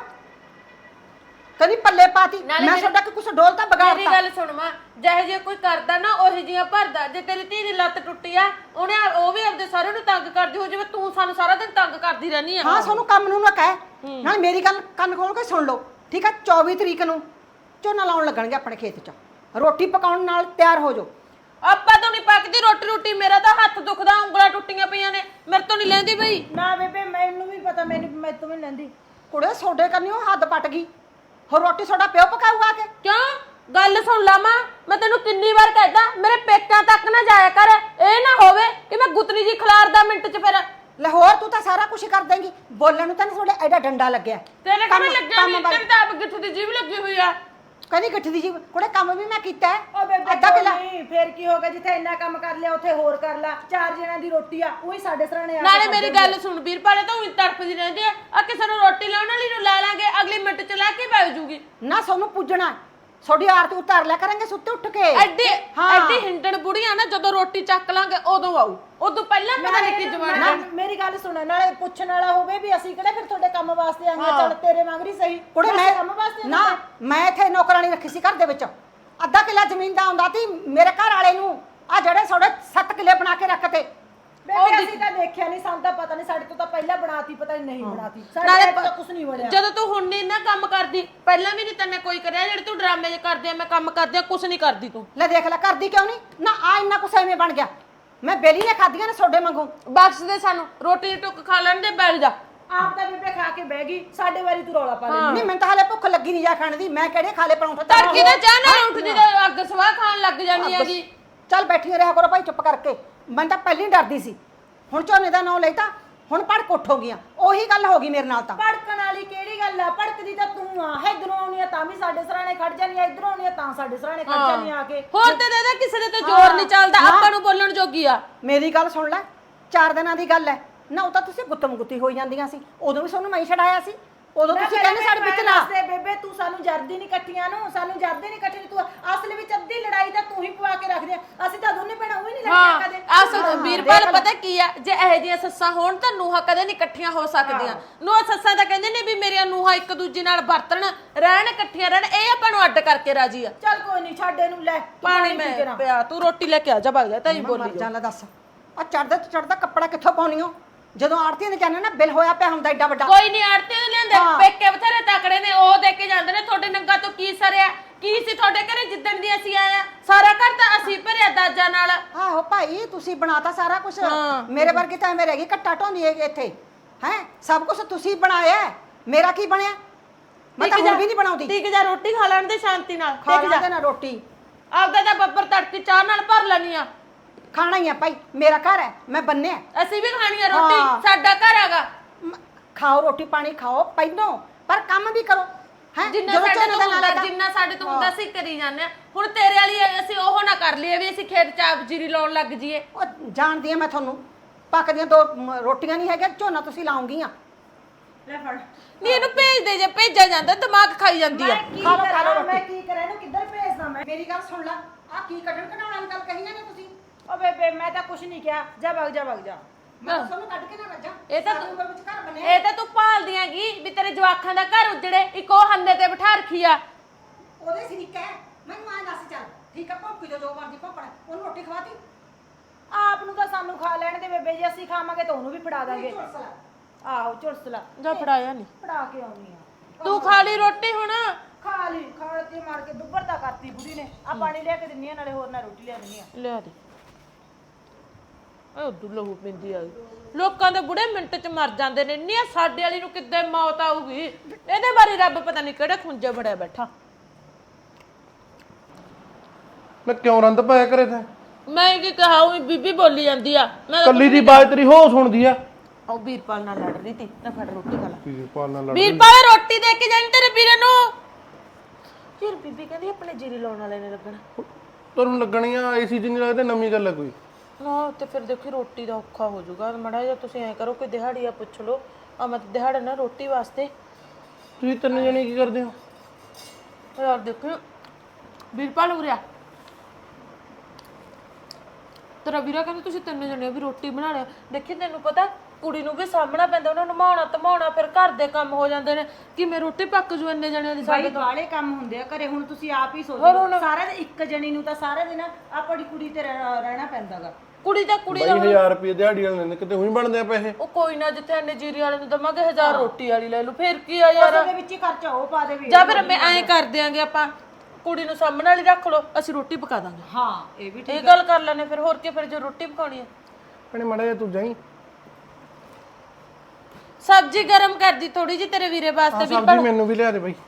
ਕਦੀ ਪੱਲੇ ਪਾਤੀ?
ਨਾਲੇ
ਮੈਂ ਤੁਹਾਡਾ ਕਿ ਕੁਛ ਡੋਲ ਤਾਂ
ਮੇਰੀ
ਬਗਾੜਤਾ।
ਗੱਲ ਸੁਣ ਮਾਂ, ਜਿਹੇ ਜੇ ਕੋਈ ਕਰਦਾ ਨਾ ਉਹੀ ਜੀਆਂ ਭਰਦਾ। ਜੇ ਤੇਰੀ ਧੀ ਦੀ ਲੱਤ ਟੁੱਟੀ ਆ, ਉਹਨੇ ਉਹ ਵੀ ਆਪਦੇ ਸਾਰਿਆਂ ਨੂੰ ਤੰਗ ਕਰਦੀ ਹੋ, ਜਿਵੇਂ ਤੂੰ ਸਾਨੂੰ ਸਾਰਾ ਦਿਨ ਤੰਗ ਕਰਦੀ ਰਹਿਨੀ ਆ।
ਹਾਂ ਸਾਨੂੰ ਕੰਮ ਨੂੰ ਨਾ ਕਹਿ, ਨਾਲ ਮੇਰੀ ਗੱਲ ਕੰਨ ਖੋਲ ਕੇ ਸੁਣ ਲਓ ਠੀਕ ਆ। 24 ਤਰੀਕ ਨੂੰ ਝੋਨਾ ਲਾਉਣ ਲੱਗਣਗੇ ਆਪਣੇ ਖੇਤ 'ਚ, ਰੋਟੀ ਪਕਾਉਣ ਨਾਲ ਤਿਆਰ ਹੋ ਜਾਓ।
ਆਪਾਂ ਤੋਂ ਨਹੀਂ ਪੱਕਦੀ ਰੋਟੀ। ਮੇਰਾ ਤਾਂ ਹੱਥ ਦੁਖਦਾ, ਉਂਗਲਾਂ ਟੁੱਟੀਆਂ ਪਈਆਂ ਨੇ, ਮੇਰੇ ਤੋਂ ਨਹੀਂ ਲੈਂਦੀ ਬਈ।
ਨਾ ਬੇਬੇ ਮੈਨੂੰ ਵੀ ਪਤਾ, ਮੈਂ ਤੋਂ ਵੀ ਲੈਂਦੀ।
ਕੁੜੇ ਸੋਡੇ ਕਰਨੀ ਉਹ ਹੱਦ ਪੱਟ ਗਈ, ਹੋਰ ਰੋਟੀ ਸੋਡਾ ਪਿਓ ਪਕਾਊਗਾ ਕੇ?
ਕਿਉਂ ਗੱਲ ਸੁਣ ਲਾ ਮਾਂ, ਮੈਂ ਤੈਨੂੰ ਕਿੰਨੀ ਵਾਰ ਕਹਿਦਾ ਮੇਰੇ ਪੇਕਾਂ ਤੱਕ ਨਾ ਜਾਇਆ ਕਰ। ਇਹ ਨਾ ਹੋਵੇ ਕਿ ਮੈਂ ਗੁੱਤਨੀ ਜੀ ਖਿਲਾਰਦਾ ਮਿੰਟ 'ਚ। ਫਿਰ
ਲਾਹੌਰ ਤੂੰ ਤਾਂ ਸਾਰਾ ਕੁਝ ਕਰ ਦੇਂਗੀ, ਬੋਲਣ ਨੂੰ ਤਾਂ ਤੁਹਾਡੇ ਐਡਾ ਡੰਡਾ ਲੱਗਿਆ।
ਤੇਰੇ ਕਿਵੇਂ ਲੱਗਿਆ ਨਹੀਂ? ਤੇਰੇ ਤਾਂ ਆਪ ਗਿੱਠ ਦੀ ਜੀਭ ਲੱਗੀ ਹੋਈ ਆ।
ਕਹਿੰਦੀ ਗੱਠ ਦੀ ਜੀ ਕੁੜੇ ਕੰਮ ਵੀ ਮੈਂ ਕੀਤਾ ਹੈ।
ਓ ਬੇਬੇ
ਅੱਧਾ ਕਿੱਲਾ
ਨਹੀਂ, ਫੇਰ ਕੀ ਹੋ ਗਿਆ? ਜਿੱਥੇ ਇੰਨਾ ਕੰਮ ਕਰ ਲਿਆ ਉੱਥੇ ਹੋਰ ਕਰ ਲਾ। 4 ਜਣਾਂ ਦੀ ਰੋਟੀ ਆ, ਉਹੀ ਸਾਡੇ ਸਰਾਣੇ ਆ।
ਨਾਲੇ ਮੇਰੀ ਗੱਲ ਸੁਣ ਵੀਰਪਾਲੇ, ਤਾਂ ਉਹੀ ਤੜਫਦੀ ਰਹਿੰਦੀ ਆ ਕਿਸੇ ਨੂੰ ਰੋਟੀ ਲਾਉਣ ਵਾਲੀ ਨੂੰ ਲਾ ਲਾਂਗੇ, ਅਗਲੀ ਮਿੰਟ 'ਚ ਲੈ ਕੇ ਬੈਠ ਜੂਗੀ।
ਨਾ ਸਾਨੂੰ ਪੁੱਜਣਾ, ਤੁਹਾਡੀ ਆਰਤੀ ਉਤਾਰ ਲਿਆ ਕਰਾਂਗੇ ਸੁੱਤੇ ਉੱਠ ਕੇ।
ਐਡੀ ਹਿੰਡਣ ਬੁੜੀਆਂ ਨਾ, ਜਦੋਂ ਰੋਟੀ ਚੱਕ ਲਾਂਗੇ ਉਦੋਂ ਆਊ, ਉਦੋਂ ਪਹਿਲਾਂ ਪਤਾ ਨਹੀਂ ਕੀ ਜਵਾਨ।
ਮੇਰੀ ਗੱਲ ਸੁਣ, ਨਾਲੇ ਪੁੱਛਣ ਵਾਲਾ ਹੋਵੇ ਵੀ ਅਸੀਂ ਕਿਹੜਾ ਫਿਰ ਤੁਹਾਡੇ ਕੰਮ ਵਾਸਤੇ ਆਂਗੇ। ਚੱਲ ਤੇਰੇ ਮੰਗਰੀ ਸਹੀ
ਕੁੜੇ
ਅਸੀਂ
ਮੈਂ
ਕੰਮ ਵਾਸਤੇ
ਨਾ, ਮੈਂ ਇੱਥੇ ਨੌਕਰਾਨੀ ਰੱਖੀ ਸੀ ਘਰ ਦੇ ਵਿੱਚ। ਅੱਧਾ ਕਿੱਲਾ ਜ਼ਮੀਨ ਦਾ ਹੁੰਦਾ ਸੀ ਮੇਰੇ ਘਰ ਵਾਲੇ ਨੂੰ, ਆ ਜਿਹੜੇ ਤੁਹਾਡੇ 7 ਕਿੱਲੇ ਬਣਾ ਕੇ ਰੱਖਤੇ।
ਬੇਬੇ ਅਸੀਂ ਤਾਂ ਦੇਖਿਆ ਨਹੀਂ, ਸਾਨੂੰ ਤਾਂ ਪਤਾ ਨਹੀਂ। ਸਾਡੇ ਤੋਂ ਤਾਂ ਪਹਿਲਾਂ ਬਣਾਤੀ, ਪਤਾ ਨਹੀਂ ਬਣਾਤੀ। ਸਾਡੇ ਤਾਂ ਕੁਝ ਨਹੀਂ ਬਣਿਆ।
ਜਦੋਂ ਤੂੰ ਹੁਣ ਨਹੀਂ ਨਾ ਕੰਮ ਕਰਦੀ, ਪਹਿਲਾਂ ਵੀ ਨਹੀਂ ਤੈਨੇ ਕੋਈ ਕਰਿਆ। ਜਿਹੜੇ ਤੂੰ ਡਰਾਮੇ ਜੇ ਕਰਦੀ ਆ, ਮੈਂ ਕੰਮ ਕਰਦੀ ਆ, ਕੁਝ ਨਹੀਂ ਕਰਦੀ ਤੂੰ।
ਲੈ ਦੇਖ ਲੈ ਕਰਦੀ ਕਿਉਂ ਨਹੀਂ ਨਾ, ਆ ਇੰਨਾ ਕੁਛ ਐਵੇਂ ਬਣ ਗਿਆ। ਮੈਂ ਬੇਲੀ ਨੇ ਖਾਧੀਆਂ ਨੇ ਤੁਹਾਡੇ ਵਾਂਗੂ।
ਬਖਸ਼ ਦੇ ਸਾਨੂੰ, ਰੋਟੀ ਟੁੱਕ ਖਾ ਲੈਣ ਦੇ, ਬੈਠ ਜਾ।
ਆਪ ਤਾਂ ਬੇਬੇ ਖਾ ਕੇ ਬਹਿ ਗਈ, ਸਾਡੇ ਵਾਰੀ ਤੂੰ ਰੌਲਾ ਪਾ ਲੈ।
ਨਹੀਂ ਮੈਨੂੰ ਤਾਂ ਹਲੇ ਭੁੱਖ ਲੱਗੀ ਨਹੀਂ ਜਾ ਖਾਣ ਦੀ। ਮੈਂ ਕਿਹੜੇ ਖਾਲੇ ਪਰੌਂਠੇ
ਤੜਕੀ ਦਾ ਚਾਹ ਨਾਲ ਉੱਠਦੀ ਤੇ ਅੱਗ ਸਵਾਹ ਖਾਣ ਲੱਗ ਜਾਂਦੀ ਹੈਗੀ।
ਚੱਲ ਬੈਠੀ ਰਿਹਾ ਕਰੋ ਭਾਈ ਚੁੱਪ ਕਰਕੇ। ਮੈਂ ਤਾਂ ਪਹਿਲਾਂ ਹੀ ਡਰਦੀ ਸੀ, ਹੁਣ ਝੋਨੇ ਦਾ ਨਾਂ ਲੈਤਾ, ਹੁਣ ਭੜਕ ਉੱਠ ਹੋ ਗਈਆਂ। ਉਹੀ ਗੱਲ ਹੋ ਗਈ ਮੇਰੇ ਨਾਲ ਤਾਂ।
ਭੜਕਣ ਵਾਲੀ ਕਿਹੜੀ ਗੱਲ ਆ? ਭੜਕਦੀ ਤਾਂ ਤੂੰ ਆ। ਇਧਰੋਂ ਆਉਣੀ ਆ ਤਾਂ ਵੀ ਸਾਡੇ ਸਰਾਣੇ ਖੜ ਜਾਨੀ ਆ, ਇਧਰੋਂ ਆਉਣੀ ਆ ਤਾਂ ਸਾਡੇ ਸਰਾਣੇ ਖੜ ਜਾਨੀ ਆ ਕੇ।
ਹੋਰ ਤੇ ਦੇ ਕਿਸੇ ਦੇ ਤੇ ਜ਼ੋਰ ਨਹੀਂ ਚੱਲਦਾ, ਆਪਾਂ ਨੂੰ ਬੋਲਣ ਜੋਗੀ ਆ।
ਮੇਰੀ ਗੱਲ ਸੁਣ ਲੈ, 4 ਦਿਨਾਂ ਦੀ ਗੱਲ ਹੈ ਨਾ, ਉਹ ਤਾਂ ਤੁਸੀਂ ਗੁੱਤਮ ਗੁੱਤੀ ਹੋਈ ਜਾਂਦੀਆਂ ਸੀ। ਉਦੋਂ ਵੀ ਤੁਹਾਨੂੰ ਮੈਂ ਛਡਾਇਆ ਸੀ, ਉਦੋਂ ਤੁਸੀਂ ਕਹਿੰਦੇ ਸਾਡੇ ਵਿੱਚ ਨਾ।
ਬੇਬੇ ਤੂੰ ਸਾਨੂੰ ਜਰਦੀ ਨਹੀਂ ਇਕੱਠੀਆਂ ਨੂੰ, ਸਾਨੂੰ ਜਰਦੀ ਨਹੀਂ ਇਕੱਠੀ। ਤੂੰ ਅਸਲ ਵਿੱਚ ਅੱਧੀ ਲੜਾਈ ਤਾਂ ਤੂੰ ਹੀ ਪਵਾ ਕੇ ਰੱਖਦੇ ਆ। ਅਸੀਂ ਤਾਂ ਦੋਨੇ ਭੈਣਾਂ ਉਹ ਹੀ ਨਹੀਂ ਲੜੀਆਂ ਕਦੇ।
ਅਸਲ ਵੀਰਪਾਲ ਪਤਾ ਕੀ ਆ, ਜੇ ਇਹੋ ਜਿਹੀਆਂ ਸੱਸਾਂ ਹੋਣ ਤਾਂ ਨੂੰਹਾਂ ਕਦੇ ਨਹੀਂ ਇਕੱਠੀਆਂ ਹੋ ਸਕਦੀਆਂ। ਨੂੰਹਾਂ ਸੱਸਾਂ ਤਾਂ ਕਹਿੰਦੇ ਨੇ ਵੀ ਮੇਰੀਆਂ ਨੂੰਹਾਂ ਇੱਕ ਦੂਜੇ ਨਾਲ ਵਰਤਣ, ਰਹਿਣ, ਇਕੱਠੀਆਂ ਰਹਿਣ। ਇਹ ਆਪਾਂ ਨੂੰ ਅੱਡ ਕਰਕੇ ਰਾਜੀ ਆ।
ਚੱਲ ਕੋਈ ਨਹੀਂ, ਛੱਡ ਇਹਨੂੰ। ਲੈ ਤੂੰ
ਪਾਣੀ
ਪੀ ਕੇ ਨਾ।
ਮੈਂ ਪਿਆ, ਤੂੰ ਰੋਟੀ ਲੈ ਕੇ ਆ ਜਾ, ਭੱਜ ਜਾ। ਤਾਂ ਹੀ ਬੋਲੀ
ਮਰ ਜਾਣਾ ਦੱਸ, ਆ ਚੜਦਾ ਕੱਪੜਾ ਕਿੱਥੋਂ ਪਾਉਣੀ ਹੋ? ਜਦੋਂ ਆੜਤੀਆਂ ਦੇ ਕਹਿੰਦੇ ਨਾ ਬਿੱਲ ਹੋਇਆ ਪਿਆ ਹੁੰਦਾ ਏਡਾ ਵੱਡਾ।
ਕੋਈ ਨਹੀਂ ਆੜਤੇ ਨੂੰ ਲਿਆਂਦੇ, ਪੇਕੇ ਬਥੇਰੇ ਤਕੜੇ ਨੇ, ਉਹ ਦੇ ਕੇ ਜਾਂਦੇ ਨੇ। ਤੁਹਾਡੇ ਨੰਗਾ ਤੋਂ ਕੀ ਸਰਿਆ? ਕੀ ਸੀ ਤੁਹਾਡੇ ਘਰੇ ਜਿੱਦਣ ਦੀ ਅਸੀਂ ਆਏ ਆ? ਸਾਰਾ ਘਰ ਤਾਂ ਅਸੀਂ ਭਰਿਆ ਦਾਜਾਂ ਨਾਲ।
ਆਹੋ ਭਾਈ ਤੁਸੀਂ ਬਣਾਤਾ ਸਾਰਾ ਕੁਝ। ਮੇਰੇ ਵਰਗੀ ਤਾਂ ਐਵੇਂ ਰਹਿ ਗਈ ਘੱਟਾ ਢੋਂਦੀ ਹੈਗੀ ਇੱਥੇ ਹੈ। ਸਭ ਕੁਝ ਤੁਸੀਂ ਬਣਾਇਆ, ਮੇਰਾ ਕੀ ਬਣਿਆ? ਮੈਂ ਤਾਂ ਹੁਣ ਵੀ ਨਹੀਂ ਬਣਾਉਂਦੀ।
ਟਿਕ ਜਾ, ਰੋਟੀ ਖਾ ਲੈਣ ਦੇ ਸ਼ਾਂਤੀ ਨਾਲ।
ਖਾ ਲੈਂਦੇ ਨਾ ਰੋਟੀ,
ਆਪਦਾ ਤਾਂ ਬੱਬਰ ਤੜਕੀ ਚਾਹ ਨਾਲ ਭਰ ਲੈਣੀ ਆ।
ਖਾਣਾ ਹੀ ਆ ਭਾਈ, ਮੇਰਾ ਘਰ ਹੈ, ਮੈਂ ਬੰਨਿਆ।
ਅਸੀਂ ਵੀ ਖਾਣੀ ਆ ਰੋਟੀ, ਸਾਡਾ ਘਰ ਹੈਗਾ।
ਖਾਓ ਰੋਟੀ ਪਾਣੀ ਖਾਓ ਪਹਿਲੋਂ, ਪਰ ਕੰਮ ਵੀ ਕਰੋ ਹੈ।
ਜਿੰਨਾ ਸਾਡੇ ਤੋਂ ਹੁੰਦਾ ਸੀ ਕਰੀ ਜਾਂਦੇ ਆ। ਹੁਣ ਤੇਰੇ ਵਾਲੀ ਅਸੀਂ ਉਹ ਨਾ ਕਰ ਲਈਏ ਵੀ ਅਸੀਂ ਖੇਤ ਚ ਜੀਰੀ ਲਾਉਣ ਲੱਗ ਜੀਏ।
ਉਹ ਜਾਣਦੀ ਆ ਮੈਂ ਤੁਹਾਨੂੰ, ਪੱਕਦੀਆਂ 2 ਰੋਟੀਆਂ ਨਹੀਂ ਹੈਗੀਆਂ, ਝੋਨਾ ਤੁਸੀਂ ਲਾਉਂਗੀਆਂ।
ਲੈ ਫੜ।
ਨਹੀਂ ਇਹਨੂੰ ਭੇਜ ਦੇ, ਜੇ ਭੇਜਿਆ ਜਾਂਦਾ ਦਿਮਾਗ ਖਾਈ ਜਾਂਦੀ ਆ।
ਖਾ ਲਓ
ਮੈਂ ਕੀ ਕਰਾਂ ਇਹਨੂੰ? ਕਿੱਧਰ ਭੇਜਦਾ ਮੈਂ?
ਮੇਰੀ ਗੱਲ ਸੁਣ ਲੈ, ਆ ਕੀ ਕੱਢਣ ਕਢਾਉਣ ਵਾਲੀ ਗੱਲ ਕਹੀਆਂ ਨੇ ਤੁਸੀਂ?
ਓ ਬੇਬੇ ਮੈਂ ਤਾਂ ਕੁਝ ਨਹੀਂ ਕਿਹਾ। ਜਾ ਵਗ ਜਾ ਵਗ ਜਾ।
ਮੈਂ ਤਾਂ ਤੁਹਾਨੂੰ ਕੱਢ ਕੇ ਨਾ ਰੱਜਾਂ।
ਇਹ ਤਾਂ
ਸਾਡੇ ਵਿੱਚ ਘਰ ਬਣਿਆ।
ਇਹ ਤਾਂ ਤੂੰ ਭਾਲਦੀ ਹੈਗੀ ਵੀ ਤੇਰੇ ਜਵਾਖਾਂ ਦਾ ਘਰ ਉਜੜੇ, ਇੱਕ ਉਹ ਹੰਨੇ ਤੇ ਬਿਠਾ ਰੱਖੀ ਆ।
ਉਹਦੇ ਸਰੀਕਾ ਹੈ, ਮੈਨੂੰ ਆ ਦੱਸ ਚੱਲ ਠੀਕ ਆ, ਭੌਂਕੀ ਜੋ ਮਰਦੀ ਭੌਂਕਣਾ, ਉਹਨੂੰ ਰੋਟੀ ਖਵਾਤੀ।
ਆਪ ਨੂੰ ਤਾਂ ਸਾਨੂੰ ਖਾ ਲੈਣ ਦੇ ਬੇਬੇ, ਜੇ ਅਸੀਂ ਖਾਵਾਂਗੇ ਤਾਂ ਉਹਨੂੰ ਵੀ ਫੜਾ ਦਾਂਗੇ। ਆਹੋ ਝੁਲਸਲਾ
ਜਾ ਫੜਾਇਆ ਨਹੀਂ,
ਫੜਾ ਕੇ ਆਉਣੀ ਆ।
ਤੂੰ ਖਾ ਲਈ ਰੋਟੀ ਹੁਣ।
ਖਾ ਲਈ, ਖਾ ਕੇ ਮਾਰ ਕੇ ਦੁੱਬਰ ਤਾਂ ਕਰਤੀ ਬੁੜੀ ਨੇ। ਆ ਪਾਣੀ ਲਿਆ ਕੇ ਦਿੰਨੀ ਆ, ਨਾਲੇ ਹੋਰ ਨਾਲ ਰੋਟੀ ਲਿਆ ਦਿੰਨੀ ਆ।
ਲਿਆ ਦੇ। ਓਏ ਉਦੋਂ ਲਹੂ ਪਿੰਦੀ ਆ। ਲੋਕਾਂ ਦੇ ਬੁੜੇ ਮਿੰਟ ਚ ਮਰ ਜਾਂਦੇ ਨੇ। ਨਹੀਂ ਸਾਡੇ ਵਾਲੀ ਨੂੰ ਕਿੱਦਾਂ ਮੌਤ ਆਊਗੀ? ਇਹਦੇ ਬਾਰੇ ਰੱਬ ਪਤਾ ਨਹੀਂ ਕਿਹੜੇ ਖੁੰਝੇ ਬੜਿਆ ਬੈਠਾ।
ਮੈਂ ਕਿਉਂ ਰੰਦ ਪਾਇਆ ਕਰੇ ਤੇ?
ਮੈਂ ਕੀ ਕਹਾ, ਉਹ ਬੀਬੀ ਬੋਲੀ ਜਾਂਦੀ ਆ। ਮੈਂ
ਕੱਲੀ ਦੀ ਬਾਤ ਤੇਰੀ ਹੋ ਸੁਣਦੀ ਆ।
ਉਹ ਵੀਰਪਾਲ ਨਾਲ ਲੜ ਰਹੀ ਤੀ ਨਾ। ਫੜ ਰੋਟੀ ਖਾ ਲੈ।
ਵੀਰਪਾਲ ਨਾਲ ਲੜ।
ਵੀਰਪਾਲ ਰੋਟੀ ਦੇ ਕੇ ਜਾਣੀ ਤੇਰੇ ਵੀਰੇ ਨੂੰ। ਯਾਰ ਬੀਬੀ ਕਹਿੰਦੀ ਆਪਣੇ ਜੀਰੀ ਲਾਉਣ ਵਾਲੇ ਨੇ ਲੱਗਣਾ।
ਤੁਹਾਨੂੰ ਲੱਗਣੀ ਆ ਏਸੀ ਜਿੰਨੀ ਲੱਗਦਾ ਨਵੀਂ ਗੱਲ ਆ ਕੋਈ।
ਹਾਂ ਤੇ ਫਿਰ ਦੇਖੀ ਰੋਟੀ ਦਾ ਔਖਾ ਹੋ ਜਾਊਗਾ ਮੜਾ ਜਿਹਾ ਤੁਸੀਂ ਐ ਕਰੋ ਕੋਈ ਦਿਹਾੜੀਆ ਪੁੱਛ ਲਓ ਆ ਮੈਂ ਦਿਹਾੜਾ ਨਾ ਰੋਟੀ ਵਾਸਤੇ।
ਤੁਸੀਂ ਤਿੰਨ ਜਣੇ ਕੀ ਕਰਦੇ ਹੋ?
ਯਾਰ ਦੇਖੋ ਵੀਰਪਾਲ ਉਰਿਆ ਤੇਰਾ ਵੀਰਾ ਕਹਿੰਦਾ ਤੁਸੀਂ ਤਿੰਨ ਜਣੇ ਵੀ ਰੋਟੀ ਬਣਾ ਲਿਆ। ਦੇਖੀ ਤੈਨੂੰ ਪਤਾ ਕੁੜੀ ਨੂੰ ਵੀ ਸਾਹਮਣਾ ਪੈਂਦਾ ਉਹਨਾਂ ਨੂੰ ਨਮਾਉਣਾ ਧਮਾਉਣਾ ਫਿਰ ਘਰ ਦੇ ਕੰਮ ਹੋ ਜਾਂਦੇ ਨੇ ਕਿਵੇਂ ਰੋਟੀ ਪੱਕ ਜੂ ਇੰਨੇ ਜਣਿਆਂ ਦੀ
ਬਾਈ ਬਾਲੇ ਕੰਮ ਹੁੰਦੇ ਆ ਘਰੇ। ਹੁਣ ਤੁਸੀਂ ਆਪ ਹੀ ਸੋਚੋ ਸਾਰਾ ਦਿਨ ਇੱਕ ਜਣੀ ਨੂੰ ਤਾਂ ਸਾਰਾ ਦਿਨ ਆਪਣੀ ਕੁੜੀ ਤੇ ਰਹਿਣਾ ਪੈਂਦਾਗਾ।
ਕੁੜੀ ਦਾ
ਬਾਈ 1000 ਰੁਪਏ ਦਿਹਾੜੀ ਵਾਲੇ ਨੇ ਕਿਤੇ ਉਹੀ ਬਣਦੇ ਆ ਪੈਸੇ।
ਉਹ ਕੋਈ ਨਾ ਜਿੱਥੇ ਇੰਨੇ ਜੀਰੀ ਵਾਲੇ ਨੂੰ ਦਵਾਂਗੇ 1000 ਰੋਟੀ ਵਾਲੀ ਲੈ ਲੂ ਫਿਰ ਕੀ ਆ ਯਾਰ।
ਉਹਦੇ ਵਿੱਚ ਹੀ ਖਰਚਾ ਉਹ ਪਾ ਦੇਵੇ।
ਜਾਂ ਫਿਰ ਮੈਂ ਐਂ ਕਰ ਦਿਆਂਗੇ ਆਪਾਂ ਕੁੜੀ ਨੂੰ ਸਾਹਮਣੇ ਵਾਲੀ ਰੱਖ ਲਓ ਅਸੀਂ ਰੋਟੀ ਪਕਾ ਦਾਂਗੇ।
ਹਾਂ ਇਹ ਵੀ
ਇਹ ਗੱਲ ਕਰ ਲੈਣੇ ਫਿਰ ਹੋਰ ਕੀ ਫਿਰ ਜੇ ਰੋਟੀ ਪਕਾਉਣੀ ਹੈ
ਭੈਣੇ ਮਾੜਾ ਜਿਹਾ ਤੂੰ ਜਾਈ
ਸਬਜ਼ੀ ਗਰਮ ਕਰਦੀ ਥੋੜੀ ਜੀ ਤੇਰੇ ਵੀਰੇ ਵਾਸਤੇ ਵੀ।
ਸਬਜ਼ੀ ਮੈਨੂੰ ਵੀ ਲਿਆ ਦੇ ਬਾਈ।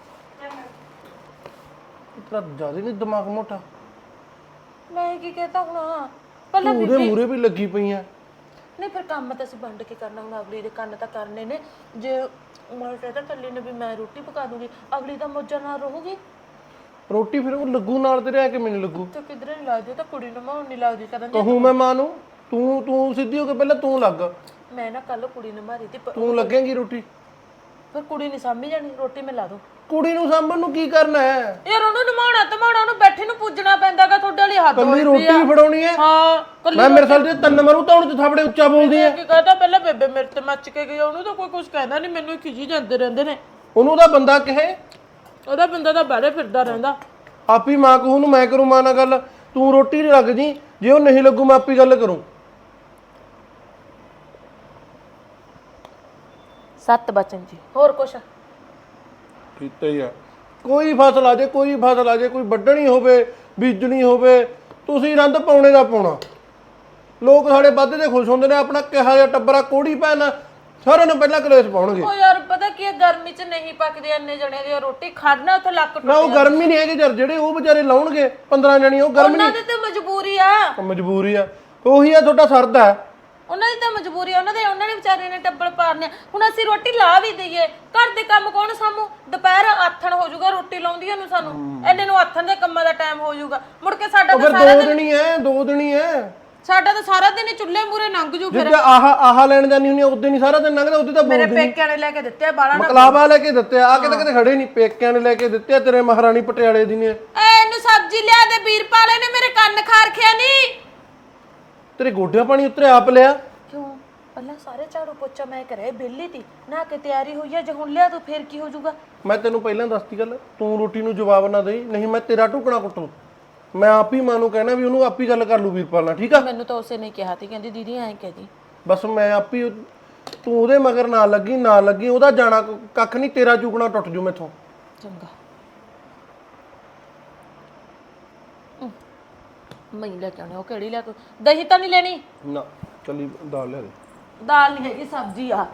ਤੇਰਾ ਜ਼ਿਆਦਾ ਨਹੀਂ ਦਿਮਾਗ ਮੋਟਾ।
ਮੈਂ ਕੀ ਕਹਤਾ ਹੁਣ ਪਹਿਲਾਂ
ਉਹਦੇ ਮੂਰੇ ਵੀ ਲੱਗੀ ਪਈਆਂ।
ਨਹੀਂ ਫਿਰ ਕੰਮ ਤਾਂ ਅਸੀਂ ਵੰਡ ਕੇ ਕਰਨਾ ਹੁਣ ਅਗਲੀ ਦੇ ਕੰਨ ਤਾਂ ਕਰਨੇ ਨੇ। ਜੇ ਮੈਂ ਕਹਿੰਦਾ ਕੱਲੀ ਨੇ ਵੀ ਮੈਂ ਰੋਟੀ ਪਕਾ ਦੂੰਗੀ ਅਗਲੀ ਤਾਂ ਮੌਜਾਂ ਨਾਲ ਰਹੂਗੀ।
ਰੋਟੀ ਫਿਰ ਉਹ ਲੱਗੂ ਨਾਲ ਤੇ ਰਹਿ ਕੇ ਮੈਨੂੰ ਲੱਗੂ।
ਤੇ ਕਿਧਰੇ ਨਹੀਂ ਲੱਗਦੀ ਤਾਂ ਕੁੜੀ ਨੂੰ ਮਾਉਣ ਨਹੀਂ ਲੱਗਦੀ ਕਰਾਂ
ਕਹੂੰ ਮੈਂ ਮਾਂ ਨੂੰ ਤੂੰ ਸਿੱਧੀ ਹੋ ਕੇ ਪਹਿਲਾਂ ਤੂੰ ਲੱਗ।
ਮੈਂ ਨਾ ਕੱਲ ਕੁੜੀ ਨੂੰ ਮਾਰੀ ਤੀ
ਤੂੰ ਲੱਗੇਂਗੀ ਰੋਟੀ।
ਫਿਰ ਕੁੜੀ ਨਹੀਂ ਸਾਂਭੀ ਜਾਣੀ ਰੋਟੀ ਮੈਂ ਲਾ ਦੂੰ।
ਕੁੜੀ ਨੂੰ ਸਾਂਭਣ ਨੂੰ ਕੀ ਕਰਨਾ ਹੈ?
ਯਾਰ ਉਹਨੂੰ ਨਮਾਉਣਾ ਧਮਾਉਣਾ ਉਹਨੂੰ ਬੈਠੇ ਨੂੰ ਪੁੱਜਣਾ ਪੈਂਦਾਗਾ ਤੁਹਾਡੇ ਵਾਲੀ ਹੱਦ
ਕੱਲੀ
ਹੋਈ
ਰੋਟੀ ਵੀ ਫੜਾਉਣੀ ਹੈ।
ਹਾਂ ਕੱਲੀ
ਮੈਂ ਮੇਰੇ ਸਾਲ ਦੇ ਤਿੰਨ ਮਰੂ ਤਾਂ ਹੁਣ ਤੂੰ ਥਾਪੜੇ ਉੱਚਾ ਬੋਲਦੀ ਹੈ।
ਕੀ ਕਹਤਾ ਪਹਿਲਾਂ ਬੇਬੇ ਮੇਰੇ ਤੇ ਮੱਚ ਕੇ ਗਈ ਉਹਨੂੰ ਤਾਂ ਕੋਈ ਕੁਝ ਕਹਿੰਦਾ ਨਹੀਂ ਮੈਨੂੰ ਖਿਜੀ ਜਾਂਦੇ ਰਹਿੰਦੇ ਨੇ।
ਉਹਨੂੰ ਤਾਂ ਬੰਦਾ ਕਹੇ
ਉਹਦਾ ਬੰਦਾ ਤਾਂ ਬਾਹਰੇ ਫਿਰਦਾ ਰਹਿੰਦਾ।
ਆਪੀ ਮਾਂ ਕਹੂ ਨੂੰ ਮੈਂ ਕਰੂੰ ਮਾਂ ਨਾਲ ਗੱਲ। ਤੂੰ ਰੋਟੀ ਨਹੀਂ ਲੱਗ ਜੀ ਜੇ ਉਹ ਨਹੀਂ ਲੱਗੂ ਮੈਂ ਆਪੀ ਗੱਲ ਕਰੂੰ।
7 ਬਚਨ ਜੀ ਹੋਰ ਕੁਛ
ਕੀਤਾ ਹੀ ਆ। ਕੋਈ ਫਸਲ ਆ ਜੇ ਕੋਈ ਵੱਢਣੀ ਹੋਵੇ ਬੀਜਣੀ ਹੋਵੇ ਤੁਸੀਂ ਰੰਦ ਪਾਉਣੇ ਦਾ ਪਾਉਣਾ। ਲੋਕ ਸਾਡੇ ਵੱਧ ਦੇ ਖੁਸ਼ ਹੁੰਦੇ ਨੇ ਆਪਣਾ ਕਿਹਾ ਜਿਹਾ ਟੱਬਰਾ ਕੋੜੀ ਪੈਣਾ ਸਾਰਿਆਂ ਨੂੰ ਪਹਿਲਾਂ ਕਲੇਸ਼ ਪਾਉਣਗੇ।
ਉਹ ਯਾਰ ਪਤਾ ਕੀ ਹੈ ਗਰਮੀ 'ਚ ਨਹੀਂ ਪੱਕਦੀ ਇੰਨੇ ਜਣੇ ਦੀ ਰੋਟੀ ਖੜਨਾ ਉੱਥੇ ਲੱਕ ਟੁੱਟ
ਨਾ ਉਹ ਗਰਮੀ ਨਹੀਂ ਹੈਗੀ ਯਾਰ ਜਿਹੜੇ ਉਹ ਵਿਚਾਰੇ ਲਾਉਣਗੇ 15 ਜਣੀ ਉਹ ਗਰਮੀ
ਉਹਨਾਂ ਦੀ ਤਾਂ ਮਜਬੂਰੀ ਆ।
ਮਜਬੂਰੀ ਆ ਉਹੀ ਆ ਤੁਹਾਡਾ ਸਰਦਾ ਹੈ।
ਉਹਨਾਂ ਦੀ ਤਾਂ ਮਜਬੂਰੀ ਆ ਉਹਨਾਂ ਨੇ ਵਿਚਾਰੇ ਨੇ ਟੱਬਲ ਪਾਰਨੇ। ਹੁਣ ਅਸੀਂ ਰੋਟੀ ਲਾ ਵੀ ਦਈਏ ਘਰ ਦੇ ਕੰਮ ਕੌਣ ਸਾਂਭੂ? ਦੁਪਹਿਰ ਆਥਣ ਹੋ ਜਾਊਗਾ ਰੋਟੀ ਲਾਉਂਦੀਆਂ ਨੂੰ ਸਾਨੂੰ ਇੰਨੇ ਨੂੰ ਆਥਣ ਦੇ ਕੰਮਾਂ ਦਾ ਟਾਈਮ ਹੋ ਜਾਊਗਾ ਮੁੜ ਕੇ ਸਾਡਾ ਤਾਂ ਸਾਰਾ
ਦੋ ਦਿਨ ਹੀ ਹੈ
ਸਾਡਾ ਤਾਂ ਸਾਰਾ ਦਿਨ ਹੀ ਚੁੱਲ੍ਹੇ ਮੂਰੇ ਲੰਘ ਜੂ। ਫਿਰ
ਜਿੱਦਾਂ ਆਹ ਲੈਣ ਜਾਨੀ ਹੁੰਦੀ ਉਦੋਂ ਨਹੀਂ ਸਾਰਾ ਦਿਨ ਲੰਘਦਾ। ਉਦੋਂ ਤਾਂ
ਮੇਰੇ ਪੇਕਿਆਂ ਨੇ ਲੈ ਕੇ ਦਿੱਤੇ ਆ ਬਾਲਾ
ਮਕਲਾਵਾ ਲੈ ਕੇ ਦਿੱਤੇ ਆ ਕਿਤੇ ਕਿਤੇ ਖੜੇ ਨਹੀਂ ਪੇਕਿਆਂ ਨੇ ਲੈ ਕੇ ਦਿੱਤੇ ਆ ਤੇਰੇ ਮਹਾਰਾਣੀ ਪਟਿਆਲੇ ਦੀ ਨੇ।
ਇਹਨੂੰ ਸਬਜ਼ੀ ਲਿਆ ਦੇ ਵੀਰਪਾਲੇ ਨੇ ਮੇਰੇ ਕੰਨ ਖਾਰਖਿਆ ਨਹੀਂ।
ਤੇਰੇ ਗੋਡਿਆਂ ਪਾਣੀ ਉੱਤਰੇ ਆਪ ਲਿਆ
ਕਿਉਂ ਪਹਿਲਾਂ ਸਾਰੇ ਝਾੜੂ ਪੋਚਾ ਮੈਂ ਕਰਿਆ ਬੇਲੀ ਤੀ ਨਾ ਕਿ ਤਿਆਰੀ ਹੋਈ ਆ ਜੇ ਹੁਣ ਲਿਆ ਤੂੰ ਫੇਰ ਕੀ ਹੋ ਜਾਊਗਾ?
ਮੈਂ ਤੈਨੂੰ ਪਹਿਲਾਂ ਦੱਸਤੀ ਗੱਲ ਤੂੰ ਰੋਟੀ ਨੂੰ ਜਵਾਬ ਨਾ ਦੇਈ ਨਹੀਂ ਮੈਂ ਤੇਰਾ ਟੁਕੜਾ ਕੁੱਟੂ। ਮੈਂ ਆਪ ਹੀ ਮਾਂ ਨੂੰ ਕਹਿਣਾ ਵੀ ਉਹਨੂੰ ਆਪ ਹੀ ਗੱਲ ਕਰ ਲੂ ਵੀਰਪਾਲ ਨਾਲ ਠੀਕ ਆ।
ਮੈਨੂੰ ਤਾਂ ਉਸੇ ਨੇ ਕਿਹਾ ਤੀ ਕਹਿੰਦੀ ਦੀਦੀ ਐਂ ਕਹਦੀ
ਬਸ ਮੈਂ ਆਪ ਹੀ ਤੂੰ ਉਹਦੇ ਮਗਰ ਨਾ ਲੱਗੀ ਉਹਦਾ ਜਾਣਾ ਕੱਖ ਨਹੀਂ ਤੇਰਾ ਚੁਕਣਾ ਟੁੱਟ ਜੂ ਮੈਥੋਂ।
ਚੰਗਾ ਮੈਂ ਲੈ ਕੇ ਆਉਣੀ ਉਹ ਕਿਹੜੀ ਲੈ ਕੇ ਦਹੀਂ ਤਾਂ ਨਹੀਂ ਲੈਣੀ
ਨਾ ਕੱਲੀ ਦਾਲ ਲੈ ਦੇ।
ਦਾਲ ਨਹੀਂ ਹੈਗੀ ਸਬਜ਼ੀ ਆ।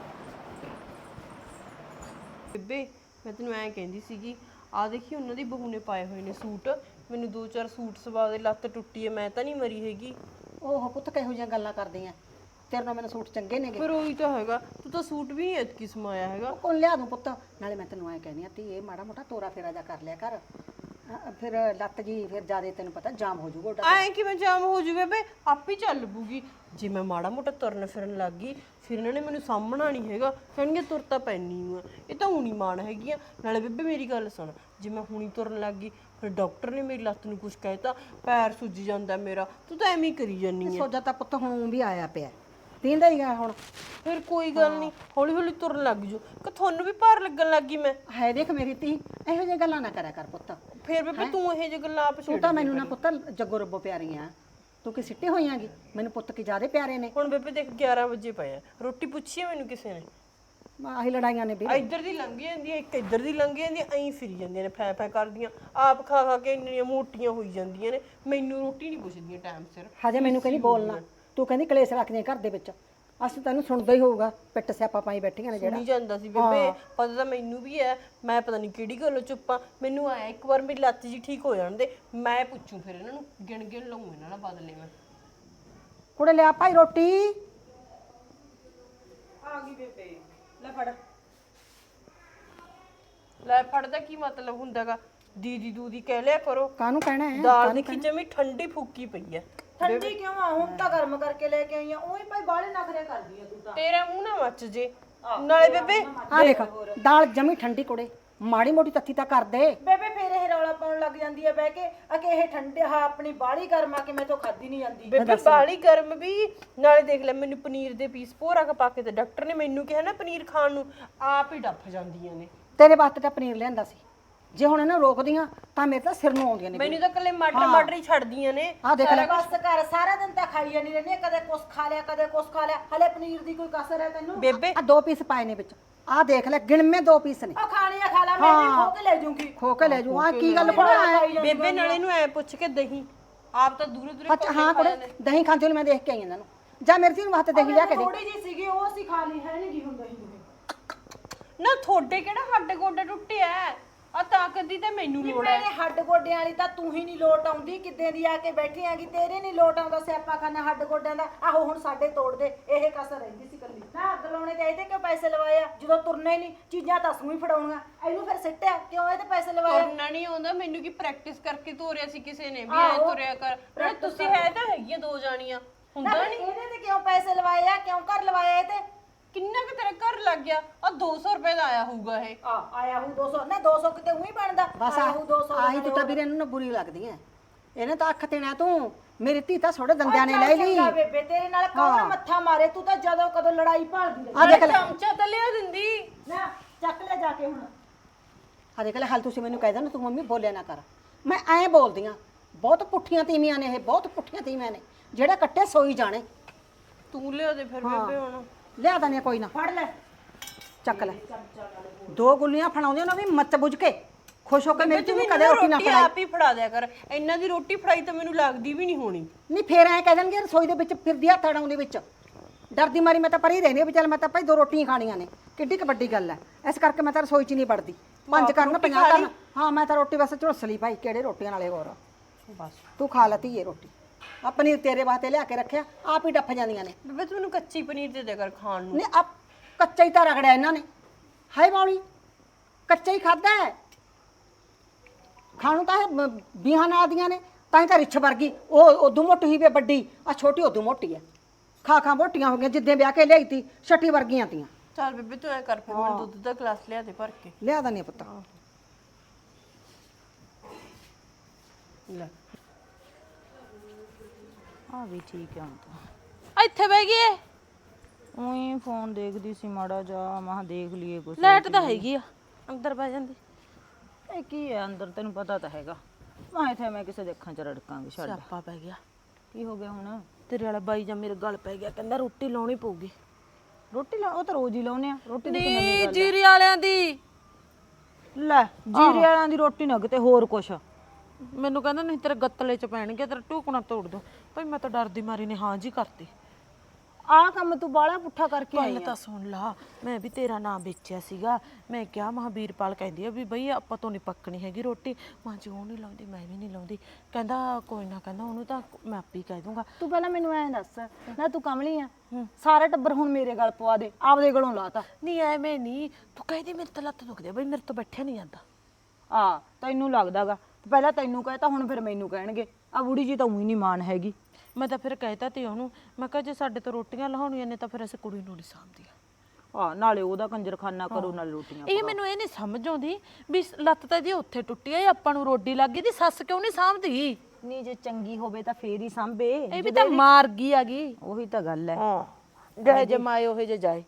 ਬੇਬੇ ਮੈਂ ਤੈਨੂੰ ਐਂ ਕਹਿੰਦੀ ਸੀਗੀ ਆ ਦੇਖੀ ਉਹਨਾਂ ਦੀ ਬਹੂ ਨੇ ਪਾਏ ਹੋਏ ਨੇ ਸੂਟ। ਮੈਨੂੰ 2-4 ਸੂਟ ਸਵਾ ਦੇ ਲੱਤ ਟੁੱਟੀ ਐ ਮੈਂ ਤਾਂ ਨਹੀਂ ਮਰੀ ਹੈਗੀ।
ਉਹ ਪੁੱਤ ਕਿਹੋ ਜਿਹੀਆਂ ਗੱਲਾਂ ਕਰਦੀਆਂ ਤੇਰੇ ਨਾਲ ਮੈਨੂੰ ਸੂਟ ਚੰਗੇ ਨੇਗੇ।
ਪਰ ਉਹੀ ਤਾਂ ਹੈਗਾ ਤੂੰ ਤਾਂ ਸੂਟ ਵੀ ਨਹੀਂ ਐਤਕੀ ਸਮਾਇਆ ਹੈਗਾ।
ਕੋਲ ਲਿਆ ਦੂੰ ਪੁੱਤ ਨਾਲੇ ਮੈਂ ਤੈਨੂੰ ਐ ਕਹਿੰਦੀ ਆ ਤੀ ਇਹ ਮਾੜਾ ਮੋਟਾ ਤੋਰਾ ਫੇਰਾ ਜਾ ਕਰ ਲਿਆ ਕਰ ਫਿਰ ਲੱਤ ਜੀ ਫਿਰ ਜਿਆਦੇ ਤੈਨੂੰ ਪਤਾ ਜਾਮ ਹੋ ਜਾਊਗਾ ਉਹਦਾ।
ਐਂ ਕਿਵੇਂ ਜਾਮ ਹੋ ਜੂ ਬੇਬੇ ਆਪੇ ਚੱਲ ਪੂਗੀ। ਜੇ ਮੈਂ ਮਾੜਾ ਮੋਟਾ ਤੁਰਨ ਫਿਰਨ ਲੱਗ ਗਈ ਫਿਰ ਇਹਨਾਂ ਨੇ ਮੈਨੂੰ ਸਾਹਮਣਾ ਨਹੀਂ ਹੈਗਾ ਕਹਿਣਗੇ ਤੁਰ ਤਾਂ ਪੈਣੀ ਆ ਇਹ ਤਾਂ ਹੁਣੀ ਮਾਣ ਹੈਗੀ ਆ। ਨਾਲੇ ਬੇਬੇ ਮੇਰੀ ਗੱਲ ਸੁਣ ਜੇ ਮੈਂ ਹੁਣੀ ਤੁਰਨ ਲੱਗ ਗਈ ਫਿਰ ਡਾਕਟਰ ਨੇ ਮੇਰੀ ਲੱਤ ਨੂੰ ਕੁਝ ਕਹਿਤਾ ਪੈਰ ਸੁੱਜ ਜਾਂਦਾ ਮੇਰਾ ਤੂੰ ਤਾਂ ਐਵੇਂ ਹੀ ਕਰੀ ਜਾਨੀ ਆ।
ਸੋਜਾ ਤਾਂ ਪੁੱਤ ਹੁਣ ਵੀ ਆਇਆ ਪਿਆ ਤੀਂਦਾ ਹੀ ਆ ਹੁਣ।
ਫਿਰ ਕੋਈ ਗੱਲ ਨਹੀਂ ਹੌਲੀ ਹੌਲੀ ਤੁਰਨ ਲੱਗ ਜੂ ਕਿ ਤੁਹਾਨੂੰ ਵੀ ਭਾਰ ਲੱਗਣ ਲੱਗ ਗਈ ਮੈਂ।
ਹੈ ਦੇਖ ਮੇਰੀ ਧੀ ਇਹੋ ਜਿਹੀਆਂ ਗੱਲਾਂ ਨਾ ਕਰਿਆ ਕਰ ਪੁੱਤ।
ਫਿਰ ਬੇਬੇ ਤੂੰ ਇਹ ਜਿਹੇ ਗੱਲਾਂ ਆਪ
ਤੂੰ
ਛੱਡ।
ਤਾਂ ਮੈਨੂੰ ਨਾ ਪੁੱਤ ਜੱਗੋ ਰੱਬੋ ਪਿਆਰੀ ਆ ਤੂੰ ਕਿ ਸਿੱਟੇ ਹੋਈਆਂਗੀ ਮੈਨੂੰ ਪੁੱਤ ਕੀ ਜ਼ਿਆਦੇ ਪਿਆਰੇ ਨੇ।
ਹੁਣ ਬੇਬੇ ਦੇਖ 11 ਵਜੇ ਪਏ ਆ ਰੋਟੀ ਪੁੱਛੀ ਮੈਨੂੰ ਕਿਸੇ ਨੇ
ਆਹੀ ਲੜਾਈਆਂ ਨੇ ਵੀ
ਇੱਧਰ ਦੀ ਲੰਘ ਜਾਂਦੀ ਹੈ ਇੱਕ ਇੱਧਰ ਦੀ ਲੰਘ ਜਾਂਦੀ ਹੈ ਐਂ ਫਿਰੀ ਜਾਂਦੀਆਂ ਨੇ ਫੈ ਫੈ ਕਰਦੀਆਂ ਆਪ ਖਾ ਖਾ ਕੇ ਇੰਨੀਆਂ ਮੋਟੀਆਂ ਹੋਈ ਜਾਂਦੀਆਂ ਨੇ ਮੈਨੂੰ ਰੋਟੀ ਨਹੀਂ ਪੁੱਛਦੀਆਂ ਟਾਈਮ ਸਿਰ।
ਹਜੇ ਮੈਨੂੰ ਕਹਿੰਦੀ ਬੋਲਣਾ ਤੂੰ ਕਹਿੰਦੀ ਕਲੇਸ਼ ਰੱਖਦੀਆਂ ਘਰ ਦੇ ਵਿੱਚ ਅਸੀਂ ਤੈਨੂੰ ਸੁਣਦਾ ਹੀ ਹੋਊਗਾ ਪਿੱਟ ਸਿਆਪਾ ਪਾਈ ਬੈਠੀਆਂ ਨੇ ਜਿਹੜਾ।
ਨਹੀਂ ਜਾਂਦਾ ਸੀ ਬੇਬੇ ਪਤਾ ਤਾਂ ਮੈਨੂੰ ਵੀ ਹੈ ਮੈਂ ਪਤਾ ਨਹੀਂ ਕਿਹੜੀ ਗੱਲੋਂ ਚੁੱਪਾਂ ਮੈਨੂੰ ਆਇਆ ਇੱਕ ਵਾਰ ਮੇਰੀ ਲੱਤ ਜੀ ਠੀਕ ਹੋ ਜਾਣ ਦੇ ਮੈਂ ਪੁੱਛੂ ਫਿਰ ਇਹਨਾਂ ਨੂੰ ਗਿਣ ਗਿਣ ਲਊਂ ਇਹਨਾਂ ਨਾਲ ਬਦਲੇ ਮੈਂ।
ਕੁੜੇ ਲਿਆ ਭਾਈ ਰੋਟੀ
ਆ ਗਈ ਬੇਬੇ ਲੈ ਫੜ। ਲੈ ਫੜ ਦਾ ਕੀ ਮਤਲਬ ਹੁੰਦਾਗਾ ਦੀਦੀ ਦੂਦੀ ਕਹਿ ਲਿਆ ਕਰੋ।
ਕਾਹਨੂੰ ਕਹਿਣਾ ਹੈ
ਦਾਲ ਦੀ ਖਿਚੜੀ ਠੰਡੀ ਫੁੱਕੀ ਪਈ ਐ।
ਠੰਡੀ ਕਿਉਂ ਆ? ਹੁਣ ਤਾਂ ਗਰਮ ਕਰਕੇ ਲੈ ਕੇ ਆਈ ਆ। ਉਹੀ ਭਾਈ ਬਾਲੇ ਨਖਰੇ ਕਰਦੀ ਆ ਤੂੰ ਤਾਂ।
ਤੇਰਾ ਮੂੰਹ ਨਾ ਮੱਚ ਜੇ। ਨਾਲੇ ਬੇਬੇ
ਆ ਦੇਖ ਦਾਲ ਜਮੀ ਠੰਡੀ ਕੁੜੇ, ਮਾੜੀ ਮੋਟੀ ਤੱਤੀ ਤਾਂ ਕਰ ਦੇ।
ਬੇਬੇ ਫੇਰ ਇਹ ਰੌਲਾ ਪਾਉਣ ਲੱਗ ਜਾਂਦੀ ਆ ਬਹਿ ਕੇ ਕਿ ਇਹ ਠੰਡੇ ਹਾਂ ਆਪਣੀ ਬਾਲੀ ਗਰਮ ਆ ਕੇ ਮੈਥੋਂ ਖਾਦੀ ਨਹੀਂ ਜਾਂਦੀ।
ਬੇਬੇ ਬਾਲੀ ਗਰਮ ਵੀ। ਨਾਲੇ ਦੇਖ ਲੈ ਮੈਨੂੰ ਪਨੀਰ ਦੇ ਪੀਸ ਭੋਰਾ ਕਾ ਪਾ ਕੇ ਤੇ ਡਾਕਟਰ ਨੇ ਮੈਨੂੰ ਕਿਹਾ ਨਾ ਪਨੀਰ ਖਾਣ ਨੂੰ, ਆਪ ਹੀ ਡੱਫ ਜਾਂਦੀਆਂ ਨੇ।
ਤੇਰੇ ਵਾਸਤੇ ਤਾਂ ਪਨੀਰ ਲਿਆਂਦਾ ਸੀ, ਜੇ ਹੁਣ ਇਹਨਾਂ ਰੋਕਦੀਆਂ ਤਾਂ ਮੇਰੇ ਤਾਂ ਸਿਰ ਨੂੰ ਆਉਂਦੀਆਂ ਨੇ।
ਮੈਨੂੰ ਤਾਂ ਕੱਲੇ ਮਟਰ ਹੀ ਛੱਡਦੀਆਂ ਨੇ।
ਆ ਦੇਖ ਲੈ
ਬਸ ਕਰ, ਸਾਰਾ ਦਿਨ ਤਾਂ ਖਾਈ ਜਾਂਦੀ ਰਹਿੰਦੀ ਆ, ਕਦੇ ਕੁਛ ਖਾ ਲਿਆ ਕਦੇ ਕੁਛ ਖਾ ਲਿਆ। ਹਲੇ ਪਨੀਰ ਦੀ ਕੋਈ ਕਸਰ ਹੈ ਤੈਨੂੰ?
ਬੇਬੇ
ਆ 2 ਪੀਸ ਪਾਏ ਨੇ ਵਿੱਚ, ਆ ਦੇਖ ਲੈ ਗਿਣਵੇਂ 2 ਪੀਸ ਨੇ।
ਉਹ ਖਾਣੀ ਆ ਖਾ ਲਾ, ਮੈਂ ਵੀ ਖੋ ਕੇ ਲੈ ਜੂੰਗੀ।
ਖੋ ਕੇ ਲੈ ਜੂ। ਆ ਕੀ ਗੱਲ ਕੋਣਾ
ਬੇਬੇ ਨਾਲੇ ਨੂੰ ਐ ਪੁੱਛ ਕੇ ਦਹੀਂ ਆਪ ਤਾਂ ਦੂਰੇ ਦੂਰੇ
ਅੱਛਾ ਹਾਂ ਕੁੜੇ ਦਹੀਂ ਖਾਂਦੇ ਨੂੰ ਮੈਂ ਦੇਖ ਕੇ ਆਈ ਇਹਨਾਂ ਨੂੰ। ਜਾ ਮੇਰੇ ਧੀ ਨੂੰ ਵਾਸਤੇ ਦਹੀਂ ਲਿਆ ਕੇ ਦੇ।
ਥੋੜੀ ਜੀ ਸੀਗੀ ਉਹ ਅਸੀਂ ਖਾ ਲਈ, ਹੈ ਨਹੀਂ ਗੀ ਹੁੰਦਾ ਹੀ।
ਨਾ ਤੁਹਾਡੇ ਕਿਹੜਾ ਹੱਡ ਗੋਡੇ ਟੁੱਟੇ ਐ? ਆ ਤਾਕਤ ਦੀ ਤੇ ਮੈਨੂੰ ਲੋੜ ਐ।
ਮੇਰੇ ਹੱਡ ਗੋਡਿਆਂ ਵਾਲੀ ਤਾਂ ਤੂੰ ਹੀ ਨਹੀਂ ਲੋਟ ਆਉਂਦੀ, ਕਿੱਦਾਂ ਦੀ ਆ ਕੇ ਬੈਠੀ ਆਂਗੀ। ਤੇਰੇ ਨਹੀਂ ਲੋਟ ਆਉਂਦਾ ਸਿਆਪਾ ਖਾਨਾ ਹੱਡ ਗੋਡਿਆਂ ਦਾ। ਆਹੋ ਹੁਣ ਸਾਡੇ ਤੋੜ ਦੇ, ਇਹ ਕਸਰ ਰਹਿੰਦੀ ਸੀ ਕੱਲੀ। ਨਾ ਅੱਗ ਲਾਉਣੇ ਤੇ ਇਹਦੇ ਕਿਉਂ ਪੈਸੇ ਲਵਾਇਆ ਜਦੋਂ ਤੁਰਨਾ ਹੀ ਨਹੀਂ? ਚੀਜ਼ਾਂ ਤਾਂ ਸੂਈ ਫੜਾਉਣੀਆਂ, ਇਹਨੂੰ ਫਿਰ ਸਿੱਟਿਆ ਕਿਉਂ? ਇਹਦੇ ਪੈਸੇ ਲਵਾਇਆ।
ਤੁਰਨਾ ਨਹੀਂ ਆਉਂਦਾ ਮੈਨੂੰ, ਕੀ ਪ੍ਰੈਕਟਿਸ ਕਰਕੇ ਤੋਰਿਆ ਸੀ ਕਿਸੇ ਨੇ ਵੀ ਐ ਤੁਰਿਆ ਕਰ। ਨਾਲੇ ਤੁਸੀਂ ਹੈ ਤਾਂ ਹੈਗੀਆਂ 2 ਜਾਣੀਆਂ, ਹੁੰਦਾ
ਨਾ
ਨਹੀਂ।
ਇਹਦੇ ਤੇ ਕਿਉਂ ਪੈਸੇ ਲਵਾਏ ਆ? ਕਿਉਂ ਘਰ ਲਵਾਇਆ ਇਹ ਤੇ?
ਕਿੰਨਾ ਕੁ ਤੇਰਾ ਘਰ ਲੱਗ ਗਿਆ? ਆ 200 ਰੁਪਏ ਦਾ ਆਇਆ ਹੋਊਗਾ ਇਹ।
ਆਇਆ ਹੂੰ 200 ਨਾ 200 ਕਿਤੇ ਉਹੀ ਬਣਦਾ।
ਬਸ
ਆਇਆ ਹੂੰ 200
ਆਹੀ ਤੂੰ ਤਾਂ ਵੀਰੇ ਇਹਨੂੰ ਨਾ ਬੁਰੀ ਲੱਗਦੀ ਐ। ਇਹਨੇ ਤਾਂ ਅੱਖ ਦੇਣਾ ਤੂੰ। ਮੇਰੀ ਧੀ ਤਾਂ ਛੋੜੇ ਦੰਦਿਆਂ ਨੇ ਲੈ ਲਈ।
ਚੰਗਾ ਬੇਬੇ ਤੇਰੇ ਨਾਲ ਕੌਣ ਮੱਥਾ ਮਾਰੇ? ਤੂੰ ਤਾਂ ਜਦੋਂ ਕਦੋਂ ਲੜਾਈ ਭਾਲਦੀ ਰਹੀ।
ਆ ਦੇਖ ਲੈ
ਚਮਚਾ ਤਾਂ ਲਿਆ ਦਿੰਦੀ।
ਨਾ ਚੱਕ ਲੈ ਜਾ ਕੇ ਹੁਣ।
ਆ ਦੇਖ ਲੈ ਹਾਲ ਤੁਸੀਂ ਮੈਨੂੰ ਕਹਿ ਦੇਣਾ ਤੂੰ ਮੰਮੀ ਬੋਲਿਆ ਨਾ ਕਰ। ਮੈਂ ਐਂ ਬੋਲਦੀ ਆ। ਬਹੁਤ ਪੁੱਠੀਆਂ ਤੀਵੀਆਂ ਨੇ ਇਹ, ਬਹੁਤ ਪੁੱਠੀਆਂ ਤੀਵੀਆਂ ਨੇ ਜਿਹੜਾ ਕੱਟੇ ਸੋਈ ਜਾਣੇ।
ਤੂੰ ਲਿਆ ਦੇ ਫਿਰ ਬੇਬੇ ਹੁਣ।
ਲਿਆ ਦਨੇ ਕੋਈ ਨਾ,
ਫੜ ਲੈ
ਚੱਕ ਲੈ। 2 ਗੁੱਲੀਆਂ ਫੜਾਉਂਦੇ ਉਹਨਾਂ ਵੀ ਮੱਤ ਬੁੱਝ ਕੇ ਖੁਸ਼ ਹੋ ਕੇ ਮੇਰੀ ਧੀ ਨੂੰ ਕਦੇ
ਰੋਟੀ
ਰੋਟੀ ਨਾ ਫੜਾਈ।
ਆਪ ਹੀ ਫੜਾ ਦਿਆ ਕਰ। ਇਹਨਾਂ ਦੀ ਰੋਟੀ ਫੜਾਈ ਤਾਂ ਮੈਨੂੰ ਲੱਗਦੀ ਵੀ ਨਹੀਂ ਹੋਣੀ।
ਨਹੀਂ ਫੇਰ ਐਂ ਕਹਿ ਦੇਣਗੇ ਰਸੋਈ ਦੇ ਵਿੱਚ ਫਿਰਦੀ ਹੱਥ ਅੜਾਉਂਦੇ ਵਿੱਚ। ਡਰਦੀ ਮਾਰੀ ਮੈਂ ਤਾਂ ਪਰੀ ਰਹਿੰਦੀ ਵੀ ਚੱਲ ਮੈਂ ਤਾਂ ਭਾਈ 2 ਰੋਟੀਆਂ ਖਾਣੀਆਂ ਨੇ, ਕਿੱਡੀ ਕੁ ਵੱਡੀ ਗੱਲ ਐ। ਇਸ ਕਰਕੇ ਮੈਂ ਤਾਂ ਰਸੋਈ 'ਚ ਨਹੀਂ ਵੜਦੀ। 5 ਕਰਨ 50 ਕਰਨ। ਹਾਂ ਮੈਂ ਤਾਂ ਰੋਟੀ ਬਸ ਝੁਲਸ ਲਈ ਭਾਈ, ਕਿਹੜੇ ਰੋਟੀਆਂ ਨਾਲੇ ਹੋਰ।
ਬਸ
ਤੂੰ ਖਾ ਲੈ ਧੀਏ ਰੋਟੀ। ਆ ਪਨੀਰ ਤੇਰੇ ਵਾਸਤੇ ਲਿਆ ਕੇ ਰੱਖਿਆ, ਆਪ ਹੀ ਡੱਫ ਜਾਂਦੀਆਂ ਨੇ।
ਬੇਬੇ ਤੂੰ ਮੈਨੂੰ ਕੱਚੀ ਪਨੀਰ ਦੇ ਦਿਆ ਕਰ ਖਾਣ ਨੂੰ।
ਨਹੀਂ ਆ ਕੱਚਾ ਹੀ ਤਾਂ ਰਗੜਿਆ ਇਹਨਾਂ ਨੇ। ਹਾਏ ਬਾਉਲੀ ਕੱਚਾ ਹੀ ਖਾਦਾ ਹੈ। ਖਾਣੂ ਤਾਂ ਇਹ ਬੀਹਾਂ ਨਾਲ ਦੀਆਂ ਨੇ, ਤਾਂ ਹੀ ਤਾਂ ਰਿੱਛ ਵਰਗੀ। ਉਹ ਉਦੋਂ ਮੋਟੀ ਹੀ ਵੇ ਵੱਡੀ, ਆ ਛੋਟੀ ਉਦੋਂ ਮੋਟੀ ਹੈ। ਖਾ ਮੋਟੀਆਂ ਹੋ ਗਈਆਂ, ਜਿੱਦੇ ਵਿਆਹ ਕੇ ਲਿਆਈ ਤੀ ਛੱਟੀ ਵਰਗੀਆਂ ਤੀਆਂ।
ਚੱਲ ਬੇਬੇ ਤੂੰ ਐ ਕਰ ਫਿਰ ਮੈਨੂੰ ਦੁੱਧ ਦਾ ਗਲਾਸ ਲਿਆ ਦੇ ਭਰ ਕੇ।
ਲਿਆ ਦਨੀ ਪੁੱਤ।
ਲੈ
ਆ ਵੀ ਠੀਕ ਹੈ ਹੁਣ ਤਾਂ।
ਇੱਥੇ ਬਹਿ ਗਈ
ਉਹੀ ਫੋਨ ਦੇਖਦੀ ਸੀ ਮਾੜਾ ਜਾ, ਮਾਹ ਦੇਖ ਲਈਏ ਕੁਛ।
ਲਾਈਟ ਤਾਂ ਹੈਗੀ ਆ, ਅੰਦਰ ਬਹਿ ਜਾਂਦੀ।
ਇਹ ਕੀ ਹੈ ਅੰਦਰ, ਤੈਨੂੰ ਪਤਾ ਤਾਂ ਹੈਗਾ। ਮੈਂ ਇੱਥੇ ਮੈਂ ਕਿਸੇ ਦੇ ਅੱਖਾਂ 'ਚ ਰੜਕਾਂਗੀ। ਛੱਡ।
ਸਿਆਪਾ ਪੈ ਗਿਆ।
ਕੀ ਹੋ ਗਿਆ ਹੁਣ?
ਤੇਰੇ ਵਾਲਾ ਬਾਈ ਜਾਂ ਮੇਰੇ ਗਲ ਪੈ ਗਿਆ, ਕਹਿੰਦਾ ਰੋਟੀ ਲਾਉਣੀ ਪਊਗੀ।
ਰੋਟੀ ਲਾ, ਉਹ ਤਾਂ ਰੋਜ਼ ਹੀ ਲਾਉਨੇ ਆ ਰੋਟੀ ਦੀ।
ਨੀ ਜੀਰੀ ਵਾਲਿਆਂ ਦੀ।
ਲੈ ਜੀਰੇ ਵਾਲਿਆਂ ਦੀ ਰੋਟੀ ਨਾ ਕਿਤੇ ਹੋਰ ਕੁਛ।
ਮੈਨੂੰ ਕਹਿੰਦਾ ਨਹੀਂ ਤੇਰੇ ਗੱਤਲੇ ਚ ਪੈਣਗੇ, ਤੇਰਾ ਟੂਕਣਾ ਤੋੜ ਦੋ। ਭਾਈ ਮੈਂ ਤਾਂ ਡਰਦੀ ਮਾਰੀ ਨੇ ਹਾਂ ਜੀ ਕਰਤੀ।
ਆਹ ਕੰਮ ਤੂੰ ਬਾਲਾ ਪੁੱਠਾ ਕਰਕੇ ਆਈ
ਗੱਲ ਤਾਂ ਸੁਣ ਲਾ, ਮੈਂ ਵੀ ਤੇਰਾ ਨਾਮ ਵੇਚਿਆ ਸੀਗਾ। ਮੈਂ ਕਿਹਾ ਮਹਾਬੀਰਪਾਲ ਕਹਿੰਦੀ ਆ ਵੀ ਬਈ ਆਪਾਂ ਤੋਂ ਨਹੀਂ ਪੱਕਣੀ ਹੈਗੀ ਰੋਟੀ। ਮਾਂ ਜੀ ਉਹ ਨਹੀਂ ਲਾਉਂਦੀ, ਮੈਂ ਵੀ ਨਹੀਂ ਲਾਉਂਦੀ। ਕਹਿੰਦਾ ਕੋਈ ਨਾ, ਕਹਿੰਦਾ ਉਹਨੂੰ ਤਾਂ ਮੈਂ ਆਪੇ ਹੀ ਕਹਿ ਦੂੰਗਾ।
ਤੂੰ ਪਹਿਲਾਂ ਮੈਨੂੰ ਐਂ ਦੱਸ ਨਾ, ਤੂੰ ਕਮਲੀ ਆ? ਸਾਰਾ ਟੱਬਰ ਹੁਣ ਮੇਰੇ ਗਲ ਪਵਾ ਦੇ, ਆਪਦੇ ਗਲੋਂ ਲਾਤਾ।
ਨਹੀਂ ਐਵੇਂ ਨਹੀਂ, ਤੂੰ ਕਹਿੰਦੀ ਮੇਰੇ ਤਾਂ ਲੱਤ ਦੁਖਦੀ ਆ ਬਈ, ਮੇਰੇ ਤੋਂ ਬੈਠਿਆ ਨਹੀਂ ਜਾਂਦਾ।
ਆ ਤੈਨੂੰ ਲੱਗਦਾਗਾ, ਪਹਿਲਾਂ ਤੈਨੂੰ ਕਹਿਤਾ ਹੁਣ ਫਿਰ ਮੈਨੂੰ ਕਹਿਣਗੇ ਆ ਬੁੜੀ ਜੀ ਤਾਂ ਉਹੀ ਨਹੀਂ ਮਾਨ ਹੈਗੀ।
ਮੈਂ ਤਾਂ ਫਿਰ ਕਹਿਤਾ ਤੇ ਉਹਨੂੰ, ਮੈਂ ਕਿਹਾ ਜੇ ਸਾਡੇ ਤੋਂ ਰੋਟੀਆਂ ਲਾਉਣੀਆਂ ਨੇ ਤਾਂ ਫਿਰ ਅਸੀਂ ਕੁੜੀ ਨੂੰ ਨਹੀਂ ਸਾਂਭਦੀਆਂ।
ਆ ਨਾਲੇ ਉਹਦਾ ਕੰਜਰਖਾਨਾ ਕਰੋ ਨਾਲੇ ਰੋਟੀਆਂ।
ਇਹ ਮੈਨੂੰ ਇਹ ਨਹੀਂ ਸਮਝ ਆਉਂਦੀ ਵੀ ਲੱਤ ਤਾਂ ਜੇ ਉੱਥੇ ਟੁੱਟੀ ਆ, ਆਪਾਂ ਨੂੰ ਰੋਟੀ ਲੱਗ ਗਈ, ਦੀ ਸੱਸ ਕਿਉਂ ਨਹੀਂ ਸਾਂਭਦੀ?
ਨਹੀਂ ਜੇ ਚੰਗੀ ਹੋਵੇ ਤਾਂ ਫੇਰ ਹੀ ਸਾਂਭੇ।
ਇਹ ਵੀ ਤਾਂ ਮਾਰ ਗਈ ਆਗੀ।
ਉਹੀ ਤਾਂ ਗੱਲ ਹੈ।
ਹਾਂ ਜਿਹੇ ਜੇ ਮਾਏ ਉਹੇ ਜੇ ਜਾਏ।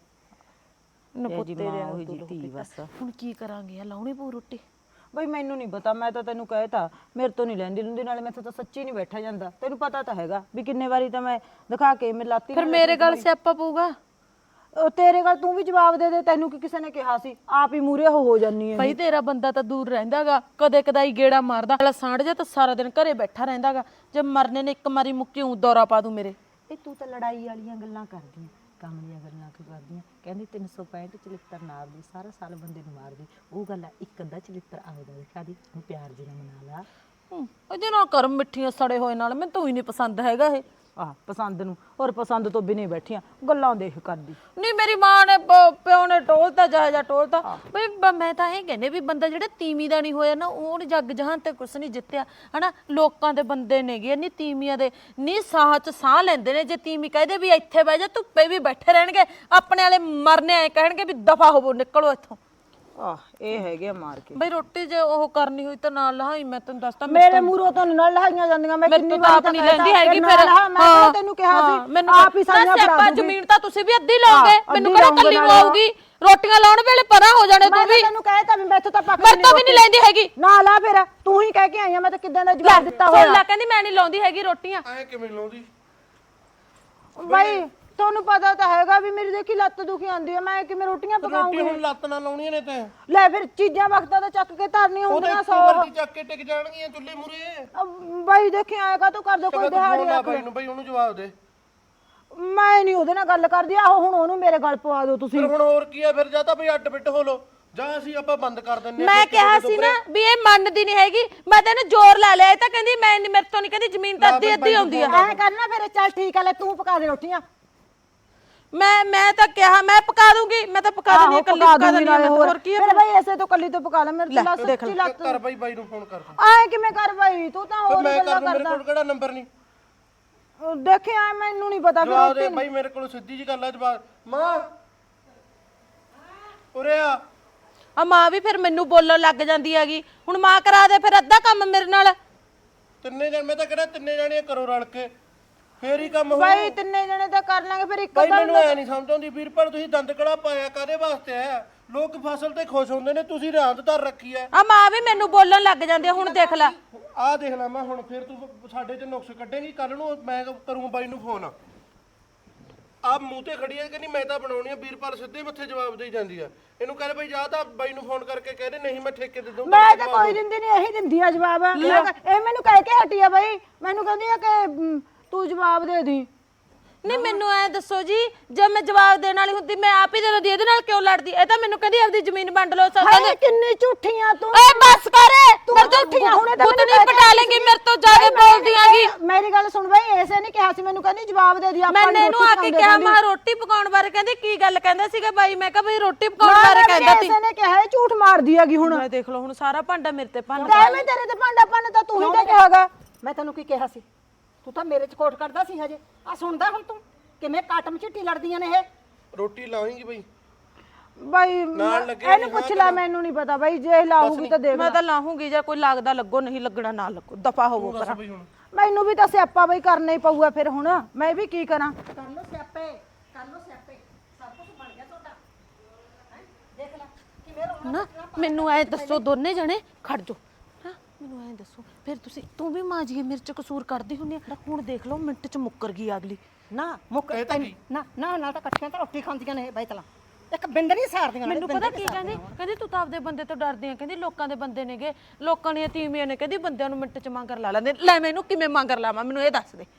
ਜੀ ਮਾਂ ਉਹੀ ਜੀ ਧੀ ਬਸ।
ਹੁਣ ਕੀ ਕਰਾਂਗੇ? ਆ ਲਾਉਣੀ ਪਊ ਰੋਟੀ।
ਬਈ ਮੈਨੂੰ ਨਹੀਂ ਪਤਾ, ਮੈਂ ਤਾਂ ਤੈਨੂੰ ਕਹਿਤਾ ਮੇਰੇ ਤੋਂ ਨਹੀਂ ਲੈਂਦੀ ਲੁੰਦੀ, ਨਾਲੇ ਮੈਥੋਂ ਤਾਂ ਸੱਚੀ ਨਹੀਂ ਬੈਠਾ ਜਾਂਦਾ। ਤੈਨੂੰ ਪਤਾ ਤਾਂ ਹੈਗਾ ਵੀ ਕਿੰਨੇ ਵਾਰੀ ਤਾਂ ਮੈਂ ਦਿਖਾ ਕੇ ਮੈਂ ਲਾਤੀ।
ਫਿਰ ਮੇਰੇ ਗੱਲ ਸਿਆਪਾ ਪਊਗਾ।
ਤੇਰੇ ਗੱਲ ਤੂੰ ਵੀ ਜਵਾਬ ਦੇ ਦੇ, ਤੈਨੂੰ ਕੀ ਕਿਸੇ ਨੇ ਕਿਹਾ ਸੀ? ਆਪ ਹੀ ਮੂਰੇ ਹੋ ਜਾਨੀ ਹੈ।
ਭਾਈ ਤੇਰਾ ਬੰਦਾ ਤਾਂ ਦੂਰ ਰਹਿੰਦਾਗਾ, ਕਦੇ ਕਦਾਈ ਗੇੜਾ ਮਾਰਦਾ। ਵਾਲਾ ਸਾਂਢ ਜਾ ਤਾਂ ਸਾਰਾ ਦਿਨ ਘਰੇ ਬੈਠਾ ਰਹਿੰਦਾਗਾ। ਜੇ ਮਰਨੇ ਨੇ ਇੱਕ ਮਾਰੀ ਮੁੱਕੀ ਊਂ ਦੌਰਾ ਪਾ ਦੂ ਮੇਰੇ।
ਇਹ ਤੂੰ ਤਾਂ ਲੜਾਈ ਵਾਲੀਆਂ ਗੱਲਾਂ ਕਰਦੀ, ਕੰਮ ਦੀਆਂ ਗੱਲਾਂ ਕਿਉਂ ਕਰਦੀਆਂ? ਕਹਿੰਦੀ 365 ਚਲਿੱਤਰ ਨਾਲ ਦੀ ਸਾਰਾ ਸਾਲ ਬੰਦੇ ਨੂੰ ਮਾਰਦੀ। ਉਹ ਗੱਲ ਆ, ਇੱਕ ਅੱਧਾ ਚਲਿੱਤਰ ਆਵੇਦਾ ਦਿਖਾ ਦੀ, ਉਹਨੂੰ ਪਿਆਰ ਜੀ ਨਾਲ ਮਨਾ ਲਾ।
ਉਹਦੇ ਨਾਲ ਕਰਮ ਮਿੱਠੀਆਂ ਸੜੇ ਹੋਏ ਨਾਲ ਮੈਨੂੰ ਤਾਂ ਹੀ ਨਹੀਂ ਪਸੰਦ ਹੈਗਾ ਇਹ।
ਆਹ ਪਸੰਦ ਨੂੰ, ਔਰ ਪਸੰਦ ਤੋਂ ਬਿਨਾਂ ਹੀ ਬੈਠੀਆਂ ਗੱਲਾਂ ਦੇਖ ਕਰਦੀ।
ਨਹੀਂ ਮੇਰੀ ਮਾਂ ਨੇ ਪਿਓ ਨੇ ਟੋਲਤਾ ਜਾ ਟੋਲਤਾ ਬਈ ਮੈਂ ਤਾਂ ਇਹ ਕਹਿੰਦੇ ਵੀ ਬੰਦਾ ਜਿਹੜਾ ਤੀਵੀਂ ਦਾ ਨਹੀਂ ਹੋਇਆ ਨਾ ਉਹਨੇ ਜੱਗ ਜਹਾਨ ਤੇ ਕੁਛ ਨਹੀਂ ਜਿੱਤਿਆ ਹਨਾ। ਲੋਕਾਂ ਦੇ ਬੰਦੇ ਨੇਗੇ ਨਹੀਂ ਤੀਵੀਆਂ ਦੇ ਨਹੀਂ ਸਾਹ ਚ ਸਾਹ ਲੈਂਦੇ ਨੇ। ਜੇ ਤੀਵੀਂ ਕਹਦੇ ਵੀ ਇੱਥੇ ਬਹਿ ਜਾ ਧੁੱਪੇ ਵੀ ਬੈਠੇ ਰਹਿਣਗੇ, ਆਪਣੇ ਵਾਲੇ ਮਰਨੇ ਆਏ ਕਹਿਣਗੇ ਵੀ ਦਫਾ ਹੋਵੋ ਨਿਕਲੋ ਇੱਥੋਂ।
ਆਹ ਇਹ ਹੈਗੇ ਆ ਮਾਰ ਕੇ।
ਬਈ ਰੋਟੀ ਜੇ ਉਹ ਕਰਨੀ ਹੋਈ ਤਾਂ ਨਾਲ ਲਹਾਈ। ਮੈਂ ਤੈਨੂੰ ਦੱਸਦਾ
ਮੇਰੇ ਮੂਹਰੋਂ ਤਾਂ ਨਾਲ ਲਹਾਈਆਂ ਜਾਂਦੀਆਂ। ਮੈਂ ਕਿੰਨੀ ਵਾਰ
ਆਪ ਨਹੀਂ ਲੈਂਦੀ ਹੈਗੀ ਫਿਰ।
ਮੈਂ ਤੈਨੂੰ ਕਿਹਾ ਸੀ
ਮੈਨੂੰ
ਆਪ ਹੀ ਸਾਰੀਆਂ ਫੜਾ ਦੂੰਗੀ।
ਜ਼ਮੀਨ ਤਾਂ ਤੁਸੀਂ ਵੀ ਅੱਧੀ ਲਾਓਗੇ, ਮੈਨੂੰ ਕਿਹੜਾ ਕੱਲੀ ਨੂੰ ਆਊਗੀ। ਰੋਟੀਆਂ ਲਾਉਣ ਵੇਲੇ ਪਰਾਂ ਹੋ ਜਾਣੇ ਤੂੰ ਵੀ।
ਤੈਨੂੰ ਕਹਿਤਾ ਵੀ ਮੈਥੋਂ ਤਾਂ ਪੱਕ
ਮੈਂ ਤਾਂ ਵੀ ਨਹੀਂ ਲੈਂਦੀ ਹੈਗੀ।
ਨਾ ਲਾ ਫਿਰ ਤੂੰ ਹੀ ਕਹਿ ਕੇ ਆਈ ਆ। ਮੈਂ ਤਾਂ ਕਿੱਦਾਂ ਦਾ ਜਵਾਬ ਦਿੱਤਾ ਹੋਇਆ।
ਸੁਣ ਲੈ ਕਹਿੰਦੀ ਮੈਂ ਨਹੀਂ ਲਾਉਂਦੀ ਹੈਗੀ ਰੋਟੀਆਂ।
ਐ ਕਿਵੇਂ ਲਾਉਂਦੀ?
ਬਾਈ ਤੁਹਾਨੂੰ ਪਤਾ ਤਾਂ ਹੈਗਾ ਵੀ ਮੇਰੀ ਦੇਖੀ ਲੱਤ ਦੁਖੀ ਆਉਂਦੀ ਹੈ। ਮੈਂ ਕਿਵੇਂ ਰੋਟੀਆਂ ਪਕਾਉਂਗੀ?
ਰੋਟੀ ਹੁਣ ਲੱਤ ਨਾਲ ਲਾਉਣੀਆਂ ਨੇ ਤੇ
ਲੈ ਫਿਰ ਚੀਜ਼ਾਂ ਵਕਤਾਂ ਤਾਂ ਚੱਕ ਕੇ ਧਰਨੀਆਂ ਹੁੰਦੀਆਂ
ਉਹਦੇ
100।
ਉੱਪਰ ਦੀ ਚੱਕ ਕੇ ਟਿਕ ਜਾਣਗੀਆਂ ਚੁੱਲ੍ਹੇ ਮੂਰੇ।
ਬਾਈ ਦੇਖੀ ਆਏਗਾ ਤੂੰ ਕਰ ਦੋ ਕੋਈ ਦਿਹਾੜੀ ਰੱਖ
ਬਾਈ ਨੂੰ, ਬਾਈ ਉਹਨੂੰ ਜਵਾਬ ਦੇ।
ਮੈਂ ਨਹੀਂ ਉਹਦੇ ਨਾਲ ਗੱਲ ਕਰਦੀ। ਆਹੋ ਹੁਣ ਉਹਨੂੰ ਮੇਰੇ ਗੱਲ ਪਵਾ ਦਿਓ ਤੁਸੀਂ।
ਫਿਰ ਹੁਣ ਹੋਰ ਕੀ ਆ? ਫਿਰ ਜਾਂ ਤਾਂ ਬਈ ਅੱਡ ਬਿੱਟ ਹੋ ਲੋ ਜਾਂ ਅਸੀਂ ਆਪਾਂ ਬੰਦ ਕਰ ਦਿੰਨੇ
ਮੈਂ ਕਿਹਾ ਸੀ ਨਾ ਵੀ ਇਹ ਮੰਨਦੀ ਨਹੀਂ ਹੈਗੀ। ਮੈਂ ਤਾਂ ਇਹਨੂੰ ਜ਼ੋਰ ਲਾ ਲਿਆ। ਇਹ ਤਾਂ ਕਹਿੰਦੀ ਮੈਂ ਮੇਰੇ ਤੋਂ ਨਹੀਂ ਕਹਿੰਦੀ ਜ਼ਮੀਨ ਤਾਂ ਅੱਧੀ ਅੱਧੀ ਆਉਂਦੀ ਆ।
ਐ ਕਰਨਾ ਫਿਰ ਚੱਲ ਠੀਕ ਆ ਲੈ ਤੂੰ ਪਕਾ ਦੇ ਰੋਟੀਆਂ।
ਮੈਂ ਤਾਂ ਕਿਹਾ ਮੈਂ ਪਕਾ ਦੂੰਗੀ। ਮੈਂ ਤਾਂ ਪਕਾ ਦਿੰਦੀ ਕੱਲੀ ਪਕਾ ਦਿੰਦੀ ਆ। ਹੋਰ ਕੀ
ਫਿਰ ਬਾਈ ਐਸੇ ਤੋਂ ਕੱਲੀ ਤੋਂ ਪਕਾ ਲੈ। ਮੇਰੇ ਤੋਂ ਸੱਚੀ ਲੱਤ
ਕਰ ਬਾਈ, ਬਾਈ ਨੂੰ ਫੋਨ ਕਰ।
ਆਏ ਕਿਵੇਂ ਕਰ ਬਾਈ? ਤੂੰ ਤਾਂ ਹੋਰ
ਮੈਂ
ਗੱਲਾਂ
ਕਰ ਦੂੰ, ਮੇਰੇ
ਕਰਦਾ।
ਕੋਲ ਕਿਹੜਾ ਨੰਬਰ ਨਹੀਂ।
ਦੇਖਿਆ ਮੈਨੂੰ ਨਹੀਂ ਪਤਾ ਫਿਰ
ਜਵਾਬ ਦੇ
ਰੋਟੀ
ਬਾਈ, ਮੇਰੇ ਕੋਲ ਸਿੱਧੀ ਜੀ ਗੱਲ ਆ। ਜਵਾਬ ਮਾਂ ਉਰੇ ਆ।
ਆ ਮਾਂ ਵੀ ਫਿਰ ਮੈਨੂੰ ਬੋਲਣ ਲੱਗ ਜਾਂਦੀ ਹੈਗੀ। ਹੁਣ ਮਾਂ ਕਰਾ ਦੇ ਫਿਰ ਅੱਧਾ ਕੰਮ ਮੇਰੇ ਨਾਲ।
ਤਿੰਨੇ ਜਣ, ਮੈਂ ਤਾਂ ਕਿਹੜਾ ਤਿੰਨੇ ਜਾਣੀਆਂ ਕਰੋ ਰਲ ਕੇ ਫੇਰ ਹੀ ਕੰਮ ਹੋਊ।
ਬਾਈ ਤਿੰਨੇ ਜਣੇ ਤਾਂ ਕਰ ਲਾਂਗੇ ਫਿਰ ਇੱਕ
ਬਾਈ ਮੈਨੂੰ ਐ ਨਹੀਂ ਸਮਝ ਆਉਂਦੀ ਵੀਰਪਾਲ, ਤੁਸੀਂ ਦੰਦ ਕੜਾ ਪਾਇਆ ਕਾਦੇ ਵਾਸਤੇ ਹੈ? ਲੋਕ ਫਸਲ ਤੇ ਖੁਸ਼ ਹੁੰਦੇ ਨੇ, ਤੁਸੀਂ ਰਾਂਦ ਧਰ ਰੱਖੀ ਐ।
ਆ ਮਾਂ ਵੀ ਮੈਨੂੰ ਬੋਲਣ ਲੱਗ ਜਾਂਦੀ ਆ। ਹੁਣ ਦੇਖ ਲੈ
ਆਹ ਦੇਖ ਲੈ ਮੈਂ ਹੁਣ ਫਿਰ ਤੂੰ ਸਾਡੇ ਤੇ ਨੁਕਸ ਕੱਢੇਂਗੀ। ਕੱਲ ਨੂੰ ਮੈਂ ਕਰੂੰ ਬਾਈ ਨੂੰ ਫੋਨ। ਆਹ ਮੂੰਹ ਤੇ ਖੜੀ ਐ ਕਹਿੰਦੀ ਮੈਂ ਤਾਂ ਬਣਾਉਣੀ ਆ। ਵੀਰਪਾਲ ਸਿੱਧੇ ਮੱਥੇ ਜਵਾਬ ਦੇਈ ਜਾਂਦੀ ਆ। ਇਹਨੂੰ ਕਹਿੰਦੇ ਬਈ ਜਾ ਤਾਂ ਬਾਈ ਨੂੰ ਫੋਨ ਕਰਕੇ ਕਹਦੇ ਨਹੀਂ ਮੈਂ ਠੇਕੇ ਦੇ ਦੂੰ।
ਮੈਂ ਤਾਂ ਕੋਈ ਦਿੰਦੀ ਨਹੀਂ, ਇਹੀ ਦਿੰਦੀ ਆ ਜਵਾਬ। ਇਹ ਮੈਨੂੰ ਕਹਿ ਕੇ ਹਟੀ ਆ ਬਾਈ। ਮੈਨੂੰ ਕਹਿੰਦੀ ਆ ਕਿ ਤੂੰ ਜਵਾਬ ਦੇ ਦੀ।
ਨਹੀਂ ਮੈਨੂੰ ਐ ਦੱਸੋ ਜੀ, ਜੇ ਮੈਂ ਜਵਾਬ ਦੇਣ ਵਾਲੀ ਹੁੰਦੀ ਮੈਂ ਆਪ ਹੀ ਦੇ ਦਿੰਦੀ। ਇਹਦੇ ਨਾਲ ਕਿਉਂ ਲੜਦੀ? ਇਹ ਤਾਂ ਮੈਨੂੰ ਕਹਿੰਦੀ ਆਪਦੀ ਜ਼ਮੀਨ ਵੰਡ ਲਓ।
ਹਾਏ ਕਿੰਨੀ ਝੂਠੀਆਂ ਤੂੰ।
ਏ ਬਸ ਕਰ।
ਤੂੰ ਝੂਠੀਆਂ ਹੁਣੇ ਤਾਂ
ਨਹੀਂ ਪਟਾ ਲੇਂਗੀ ਮੇਰੇ ਤੋਂ ਜ਼ਿਆਦਾ ਬੋਲਦੀ ਆਂਗੀ।
ਮੇਰੀ ਗੱਲ ਸੁਣ ਬਾਈ, ਐਸੇ ਨਹੀਂ ਕਿਹਾ ਸੀ। ਮੈਨੂੰ ਕਹਿੰਦੀ ਜਵਾਬ ਦੇ ਦੀ। ਆਪਾਂ
ਮੈਨੇ ਇਹਨੂੰ ਆ ਕੇ ਕਿਹਾ ਮੈਂ ਰੋਟੀ ਪਕਾਉਣ ਬਾਰੇ ਕਹਿੰਦੀ ਕੀ ਗੱਲ ਕਹਿੰਦਾ ਸੀਗਾ ਬਾਈ? ਮੈਂ ਕਿਹਾ ਬਈ ਰੋਟੀ ਪਕਾਉਣ ਬਾਰੇ ਕਹਿੰਦਾ ਸੀ।
ਐਸੇ ਨੇ ਕਿਹਾ ਇਹ ਝੂਠ ਮਾਰਦੀ ਹੈਗੀ ਹੁਣ।
ਮੈਂ ਦੇਖ ਲਓ ਹੁਣ ਸਾਰਾ ਭਾਂਡਾ ਮੇਰੇ ਤੇ ਭੰਨ
ਤੇ ਮੈਂ ਤੇਰੇ ਤੇ ਭਾਂਡਾ ਭੰਨ ਤਾਂ ਤੂੰ ਹੀ ਤਾਂ ਕਿਹਾਗਾ। ਮੈਂ ਤੈਨੂੰ ਕੀ ਕਿਹਾ ਸੀ? ਤੂੰ ਤਾਂ ਮੇਰੇ ਚ ਕੋਟ ਕਰਦਾ ਸੀ ਹਜੇ। ਆ ਸੁਣਦਾ ਹੁਣ ਤੂੰ ਕਿਵੇਂ ਕਾਟਮ ਝਿੱਟੀ ਲੜਦੀਆਂ ਨੇ ਇਹ।
ਰੋਟੀ ਲਾਵੇਂਗੀ ਬਈ?
ਬਾਈ
ਲੱਗੇ
ਇਹਨੂੰ ਪੁੱਛ ਲੈ, ਮੈਨੂੰ ਨਹੀਂ ਪਤਾ ਬਾਈ। ਜੇ ਲਾਹੂਗੀ ਤਾਂ ਦੇਖ।
ਮੈਂ ਤਾਂ ਲਾਹੂੰਗੀ ਜੇ ਕੋਈ ਲੱਗਦਾ ਲੱਗੋ, ਨਹੀਂ ਲੱਗਣਾ ਨਾ ਲੱਗੋ, ਦਫਾ ਹੋਵੋ ਪਰਾਂ।
ਮੈਨੂੰ ਵੀ ਤਾਂ ਸਿਆਪਾ ਬਈ ਕਰਨਾ ਹੀ ਪਊਗਾ ਫਿਰ ਹੁਣ। ਮੈਂ ਵੀ ਕੀ ਕਰਾਂ? ਕਰ ਲੋ ਸਿਆਪੇ, ਕਰ ਲੋ ਸਿਆਪੇ। ਸਭ ਕੁਝ ਬਣ ਗਿਆ ਤੁਹਾਡਾ। ਦੇਖ ਲੈ ਕਿਵੇਂ ਰੋਣਾ।
ਨਾ ਮੈਨੂੰ ਐ ਦੱਸੋ ਦੋਨੇ ਜਣੇ ਖੜ ਜਾਓ। ਹਾਂ ਮੈਨੂੰ ਐ ਦੱਸੋ ਫਿਰ ਤੂੰ ਵੀ ਮਾਂ ਜੀ ਮੇਰੇ ਚ ਕਸੂਰ ਕਰਦੀ ਹੁੰਦੀ ਆ। ਹੁਣ ਦੇਖ ਲਓ ਮਿੰਟ ਚ ਮੁੱਕਰ ਗਈ ਅਗਲੀ।
ਨਾ ਮੁੱਕ ਨਾ ਨਾ ਨਾ ਤਾਂ ਇਕੱਠੀਆਂ ਤਾਂ ਰੋਟੀ ਖਾਂਦੀਆਂ ਨੇ ਬੈਤਲਾ। ਇੱਕ ਬਿੰਦ ਨਹੀਂ ਸਾਰਦੀਆਂ।
ਮੈਨੂੰ ਪਤਾ ਕੀ ਕਹਿੰਦੀ ਤੂੰ ਤਾਂ ਆਪਦੇ ਬੰਦੇ ਤੋਂ ਡਰਦੀ ਆ। ਕਹਿੰਦੀ ਲੋਕਾਂ ਦੇ ਬੰਦੇ ਨੇਗੇ, ਲੋਕਾਂ ਦੀਆਂ ਤੀਵੀਆਂ ਨੇ। ਕਹਿੰਦੀ ਬੰਦਿਆਂ ਨੂੰ ਮਿੰਟ ਚ ਮੰਗਰ ਲਾ ਲੈਂਦੇ। ਲੈ ਮੈਨੂੰ ਕਿਵੇਂ ਮੰਗਰ ਲਾਵਾਂ? ਮੈਨੂੰ ਇਹ ਦੱਸ ਦੇ।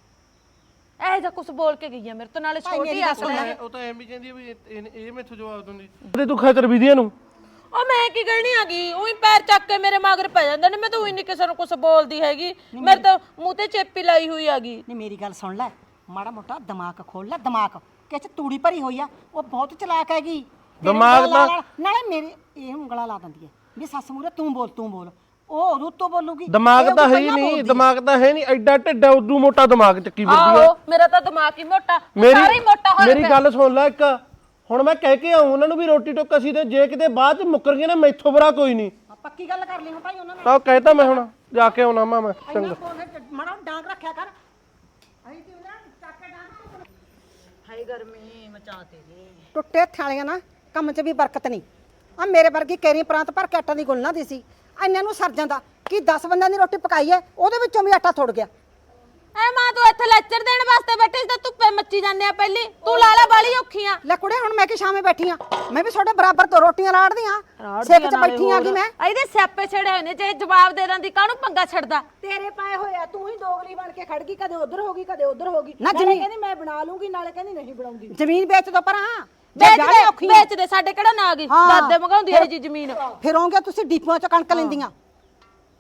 ਇਹ ਜਾਂ ਕੁਝ ਬੋਲ ਕੇ ਗਈ ਆ ਮੇਰੇ ਤੋਂ, ਨਾਲੇ ਛੋਟੀ ਆ।
ਉਹ ਤਾਂ ਐਵੇਂ ਕਹਿੰਦੀ ਵੀ ਇਹ ਮੈਥੋਂ ਜਵਾਬ ਦਿੰਦੀ ਤੇ ਤੂੰ ਖਤਰ ਵਿਧੀਆਂ ਨੂੰ।
ਉਹ ਮੈਂ ਕੀ ਕਹਿਣੀ ਆਗੀ? ਉਹੀ ਪੈਰ ਚੱਕ ਕੇ ਮੇਰੇ ਮਗਰ ਪੈ ਜਾਂਦੇ ਨੇ। ਮੈਂ ਤਾਂ ਉਹੀ ਨਹੀਂ ਕਿਸੇ ਨੂੰ ਕੁਝ ਬੋਲਦੀ ਹੈਗੀ। ਮੇਰੇ ਤਾਂ ਮੂੰਹ ਤੇ ਚੇਪੀ ਲਾਈ ਹੋਈ ਆਗੀ।
ਨਹੀਂ ਮੇਰੀ ਗੱਲ ਸੁਣ ਲੈ, ਮਾੜਾ ਮੋਟਾ ਦਿਮਾਗ ਖੋਲ ਲੈ। ਦਿਮਾਗ ਕਿ ਚ ਤੂੜੀ ਭਰੀ ਹੋਈ ਆ। ਉਹ ਬਹੁਤ ਚਲਾਕ ਹੈਗੀ।
ਦਿਮਾਗ ਤਾਂ
ਨਾਲੇ ਮੇਰੇ ਇਹ ਉਂਗਲਾਂ ਲਾ ਦਿੰਦੀ ਹੈ ਵੀ ਸੱਸ ਮੂਰੇ ਤੂੰ ਬੋਲ ਤੂੰ ਬੋਲ। ਉਹ ਉਦੋਂ ਤੋਂ ਬੋਲੂਗੀ।
ਦਿਮਾਗ ਤਾਂ ਹੈ ਹੀ ਨਹੀਂ। ਦਿਮਾਗ ਤਾਂ ਹੈ ਨਹੀਂ। ਐਡਾ ਢਿੱਡਾ ਉਦੋਂ ਮੋਟਾ ਦਿਮਾਗ ਚੱਕੀ ਫਿਰਦੀ ਆ।
ਆਹੋ ਮੇਰਾ ਤਾਂ ਦਿਮਾਗ ਹੀ ਮੋਟਾ, ਸਾਰਾ ਹੀ ਮੋਟਾ ਹੋਇਆ।
ਮੇਰੀ ਗੱਲ ਸੁਣ ਲੈ ਇੱਕ। ਹੁਣ ਮੈਂ ਕਹਿ ਕੇ ਆਉਂ ਉਹਨਾਂ ਨੂੰ ਵੀ ਰੋਟੀ ਟੁੱਕ ਅਸੀਂ ਤੇ ਜੇ ਕਿਤੇ ਬਾਅਦ ਚ ਮੁੱਕਰ ਗਏ ਨਾ ਮੈਥੋਂ ਬੁਰਾ ਕੋਈ ਨਹੀਂ।
ਪੱਕੀ ਗੱਲ ਕਰ ਲਈ ਹੁਣ ਭਾਈ ਉਹਨਾਂ ਨਾਲ।
ਤਾਂ ਕਹਿਤਾ ਮੈਂ ਹੁਣ ਜਾ ਕੇ ਆਉਣਾ ਮੈਂ ਚੰਗਾ।
ਮਾੜਾ ਡਾਂਗ ਰੱਖਿਆ ਕਰ। ਆਈ ਤੇ ਉਹਨਾਂ ਚੱਕ ਕੇ ਡਾਂਗ।
ਹਾਈ ਗਰਮੀ ਮਚਾਤੀ ਜੀ।
ਟੁੱਟੇ ਥਾਲੀਆਂ ਨਾ ਕੰਮ 'ਚ ਵੀ ਬਰਕਤ ਨਹੀਂ। ਆ ਮੇਰੇ ਵਰਗੀ ਕੇਰੀ ਪ੍ਰਾਂਤ ਭਰ ਕੇ ਆਟਾ ਦੀ ਗੁੰਨਣਾ ਦੀ ਸੀ। ਇੰਨਿਆਂ ਨੂੰ ਸਰ ਜਾਂਦਾ ਕਿ 10 ਬੰਦਿਆਂ ਦੀ ਰੋਟੀ ਪਕਾਈ ਹੈ, ਉਹਦੇ ਵਿੱਚੋਂ ਵੀ ਆਟਾ ਥੁੜ ਗਿਆ।
ਐ ਮਾਂ ਤੂੰ ਇੱਥੇ ਲੈਕਚਰ ਦੇਣ ਵਾਸਤੇ ਬੈਠੀ ਸੀ ਤਾਂ ਧੁੱਪੇ ਮੱਚੀ ਜਾਂਦੇ ਆ। ਪਹਿਲੀ ਤੂੰ ਲਾ ਲੈ ਬਾਲੀ ਔਖੀਆਂ।
ਲੈ ਕੁੜੇ ਹੁਣ ਮੈਂ ਕਿ ਸ਼ਾਮੇ ਬੈਠੀ ਆ। ਮੈਂ ਵੀ ਤੁਹਾਡੇ ਬਰਾਬਰ ਤੋਂ ਰੋਟੀਆਂ ਰਾੜਦੀ ਆ। ਸੇਕ 'ਚ ਬੈਠੀ ਆ ਕਿ ਮੈਂ।
ਇਹਦੇ ਸਿਆਪੇ ਛੜੇ ਹੋਏ ਨੇ। ਜੇ ਜਵਾਬ ਦੇ ਦਿੰਦੀ ਕਾਹਨੂੰ ਪੰਗਾ ਛੱਡਦਾ?
ਤੇਰੇ ਪਾਏ ਹੋਏ ਆ। ਤੂੰ ਹੀ ਦੋਗਲੀ ਬਣ ਕੇ ਖੜ ਗਈ। ਕਦੇ ਉਧਰ ਹੋ ਗਈ ਕਦੇ ਉਧਰ ਹੋ ਗਈ। ਨਾਲੇ ਕਹਿੰਦੀ ਮੈਂ ਬਣਾ ਲੂੰਗੀ, ਨਾਲੇ ਕਹਿੰਦੀ ਨਹੀਂ ਬਣਾਉਂਦੀ। ਜ਼ਮੀਨ ਵੇਚ ਦੋ ਪਰਾਂ।
ਵੇਚ ਦੇ ਸਾਡੇ ਕਿਹੜਾ ਨਾ ਆ ਗਈ। ਦਾਦੇ ਮੰਗਾਉਂਦੀ ਹੈ ਜੀ ਜ਼ਮੀਨ।
ਫਿਰ ਹੋਗੇ ਤੁਸੀਂ ਡੀਪੂਆਂ 'ਚ ਕਣਕ ਲੈਂਦੀਆਂ।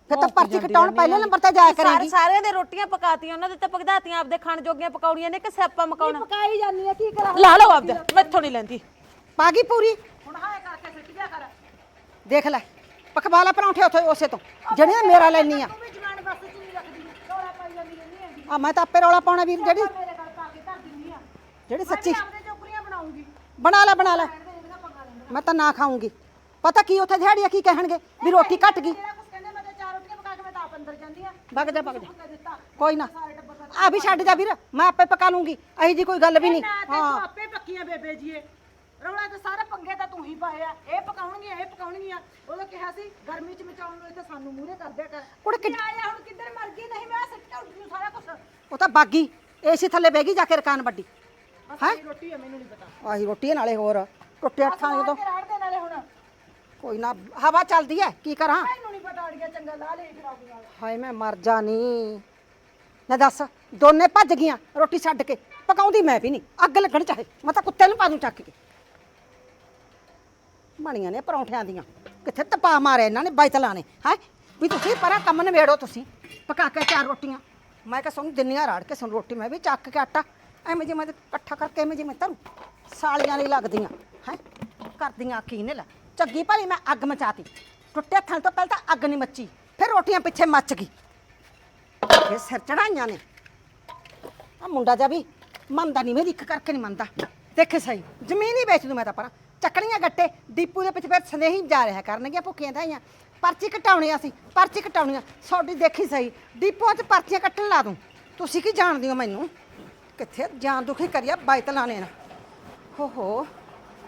ਫਿਰ ਤਾਂ ਪਰਚੀ ਕਟਾਉਣ ਪਹਿਲੇ ਨੰਬਰ ਤੇ ਜਾਇਆ ਕਰੇਗੀ।
ਸਾਰਿਆਂ ਦੇ ਰੋਟੀਆਂ ਪਕਾਤੀਆਂ ਉਹਨਾਂ ਦੇ ਤਾਂ ਪਕਦਾਤੀਆਂ, ਆਪਦੇ ਖਾਣ ਜੋਗੀਆਂ ਪਕਾਉਣੀਆਂ ਨੇ ਕਿ ਸਿਆਪਾ ਮਕਾਉਣਾ।
ਪਕਾਈ ਜਾਂਦੀ ਆ ਕੀ ਕਰਾਂ
ਲਾ ਲਓ ਆਪਦਾ, ਮੈਥੋਂ ਨਹੀਂ ਲੈਂਦੀ।
ਪਾ ਗਈ ਪੂਰੀ।
ਹੁਣ ਹਾਏ ਕਰਕੇ ਸਿੱਟ ਜਾ ਕਰ
ਦੇਖ ਲੈ ਪਕਵਾ ਲੈ ਪਰੌਂਠੇ ਉੱਥੇ ਉਸੇ ਤੋਂ ਜਿਹੜੀਆਂ ਮੇਰਾ ਲੈਣੀ ਆ।
ਤੂੰ ਵੀ ਜਵਾਨ ਬਸ ਚ ਨਹੀਂ ਰੱਖਦੀ ਰੌਲਾ ਪਾਈ ਜਾਂਦੀ ਰਹਿੰਦੀ ਹੈਗੀ
ਆ ਮੈਂ ਤਾਂ ਆਪੇ ਰੌਲਾ ਪਾਉਣਾ ਵੀਰ, ਜਿਹੜੀ
ਮੇਰੇ ਗੱਲ ਪਾ ਕੇ ਧਰ ਦਿੰਦੀ ਆ
ਜਿਹੜੀ ਸੱਚੀ
ਆਪਦੇ ਚੋਕਰੀਆਂ ਬਣਾਉਂਗੀ
ਬਣਾ ਲੈ ਮੈਂ ਤਾਂ ਨਾ ਖਾਊਂਗੀ। ਪਤਾ ਕੀ ਉੱਥੇ ਦਿਹਾੜੀਆਂ ਕੀ ਕਹਿਣਗੇ ਵੀ ਰੋਟੀ ਘਟ ਗਈ।
ਜਿਹੜਾ ਕੁਛ ਕਹਿੰਦੇ ਮੈਂ ਤਾਂ 4 ਰੋਟੀਆਂ ਪਕਾ ਕੇ ਮੈਂ ਤਾਂ ਆਪ ਅੰਦਰ ਜਾਂਦੀ ਆ
ਵਗ ਜਾ
ਦਿੱਤਾ
ਕੋਈ ਨਾ ਆ ਵੀ ਛੱਡ ਜਾ ਵੀਰ, ਮੈਂ ਆਪੇ ਪਕਾ ਲੂੰਗੀ। ਅਹੀ ਜੀ ਕੋਈ ਗੱਲ ਵੀ ਨਹੀਂ।
ਨਾ ਤੇ ਤੂੰ ਆਪੇ ਪੱਕੀਆਂ ਬੇਬੇ ਜੀਏ ਰੌਲਾ ਤਾਂ ਸਾਰੇ ਪੰਗੇ ਤਾਂ ਤੂੰ ਹੀ ਪਾਏ ਆ। ਇਹ ਪਕਾਉਣਗੀਆਂ ਉਹਦਾ ਕਿਹਾ ਸੀ ਗਰਮੀ ਚ ਮਚਾਉਣ ਨੂੰ ਇੱਥੇ ਸਾਨੂੰ ਮੂਹਰੇ ਕਰ ਦਿਆ ਕਰ।
ਕੁੜੇ
ਕਿ ਆਇਆ ਹੁਣ ਕਿੱਧਰ ਮਰ ਗਈ ਨਹੀਂ ਮੈਂ ਸਿੱਟਾ ਉੱਠ ਨੂੰ ਸਾਰਾ ਕੁਛ
ਉਹ ਤਾਂ ਬਾਗੀ ਏਸੀ ਥੱਲੇ ਬਹਿ ਗਈ ਜਾ ਕੇ ਰਕਾਨ ਵੱਡੀ।
ਹੈ ਰੋਟੀ ਆ ਮੈਨੂੰ ਨਹੀਂ ਪਤਾ
ਆਹੀ ਰੋਟੀ ਨਾਲੇ ਹੋਰ ਟੁੱਟੇ ਅੱਠਾਂ ਜਦੋਂ
ਰਾੜ ਦੇ ਨਾਲੇ ਹੁਣ
ਕੋਈ ਨਾ ਹਵਾ ਚੱਲਦੀ ਐ ਕੀ ਕਰਾਂ।
ਮੈਨੂੰ ਨਹੀਂ ਪਤਾ ਅੜੀਆ ਚੰਗਾ ਲਾ ਲੈ ਫਿਰ ਆਉਂਦੀ ਨਾਲ
ਹਾਏ ਮੈਂ ਮਰ ਜਾਣੀ। ਨਾ ਦੱਸ ਦੋਨੇ ਭੱਜ ਗਈਆਂ ਰੋਟੀ ਛੱਡ ਕੇ। ਪਕਾਉਂਦੀ ਮੈਂ ਵੀ ਨਹੀਂ, ਅੱਗ ਲੱਗਣ ਚਾਹੇ ਮੈਂ ਤਾਂ ਕੁੱਤੇ ਨੂੰ ਪਾ ਦੂੰ ਚੱਕ ਕੇ। ਬਣੀਆਂ ਨੇ ਪਰੌਂਠਿਆਂ ਦੀਆਂ, ਕਿੱਥੇ ਤਪਾ ਮਾਰਿਆ ਇਹਨਾਂ ਨੇ ਬਾਈਤਲਾਂ ਨੇ। ਹੈ ਵੀ ਤੁਸੀਂ ਪਰਾਂ ਕੰਮ ਨਿਬੇੜੋ, ਤੁਸੀਂ ਪਕਾ ਕੇ 4 ਰੋਟੀਆਂ ਮੈਂ ਕਿਹਾ ਸਾਨੂੰ ਦਿੰਨੀਆਂ ਰਾੜ ਕੇ ਸਾਨੂੰ ਰੋਟੀ। ਮੈਂ ਵੀ ਚੱਕ ਕੇ ਆਟਾ ਐਵੇਂ ਜਿਵੇਂ ਇਕੱਠਾ ਕਰਕੇ ਐਵੇਂ ਜਿਵੇਂ ਧਰੂ ਸਾਲੀਆਂ ਨਹੀਂ ਲੱਗਦੀਆਂ ਹੈ ਕਰਦੀਆਂ ਕੀ ਨੇ। ਲੈ ਚੱਗੀ ਭਲੀ ਮੈਂ ਅੱਗ ਮਚਾਤੀ, ਟੁੱਟੇ ਥਣ ਤੋਂ ਪਹਿਲਾਂ ਤਾਂ ਅੱਗ ਨਹੀਂ ਮੱਚੀ, ਫਿਰ ਰੋਟੀਆਂ ਪਿੱਛੇ ਮੱਚ ਗਈ। ਇਹ ਸਿਰ ਚੜਾਈਆਂ ਨੇ। ਆ ਮੁੰਡਾ ਜਾ ਵੀ ਮੰਨਦਾ ਨਹੀਂ, ਮੇਰੀ ਇੱਕ ਕਰਕੇ ਨਹੀਂ ਮੰਨਦਾ। ਦੇਖੇ ਸਹੀ ਜ਼ਮੀਨ ਹੀ ਵੇਚ ਦੂੰ ਮੈਂ ਤਾਂ ਪਰਾਂ। ਚੱਕਣੀਆਂ ਗੱਟੇ ਡੀਪੂ ਦੇ ਪਿੱਛੇ ਫਿਰ ਸੰਦੇਹੀ ਜਾ ਰਿਹਾ ਕਰਨਗੀਆਂ ਭੁੱਖੀਆਂ ਧਾਈਆਂ। ਪਰਚੀ ਕਟਾਉਣੀ ਅਸੀਂ, ਪਰਚੀ ਕਟਾਉਣੀਆਂ ਤੁਹਾਡੀ ਦੇਖੀ ਸਹੀ ਡੀਪੂ 'ਚ ਪਰਚੀਆਂ ਕੱਟਣ ਲਾ ਦੂੰ। ਤੁਸੀਂ ਕੀ ਜਾਣਦੇ ਹੋ ਮੈਨੂੰ? ਕਿੱਥੇ ਜਾਨ ਦੁਖੀ ਕਰਿਆ ਬਾਈਤਲਾਂ ਨੇ ਨਾ। ਹੋ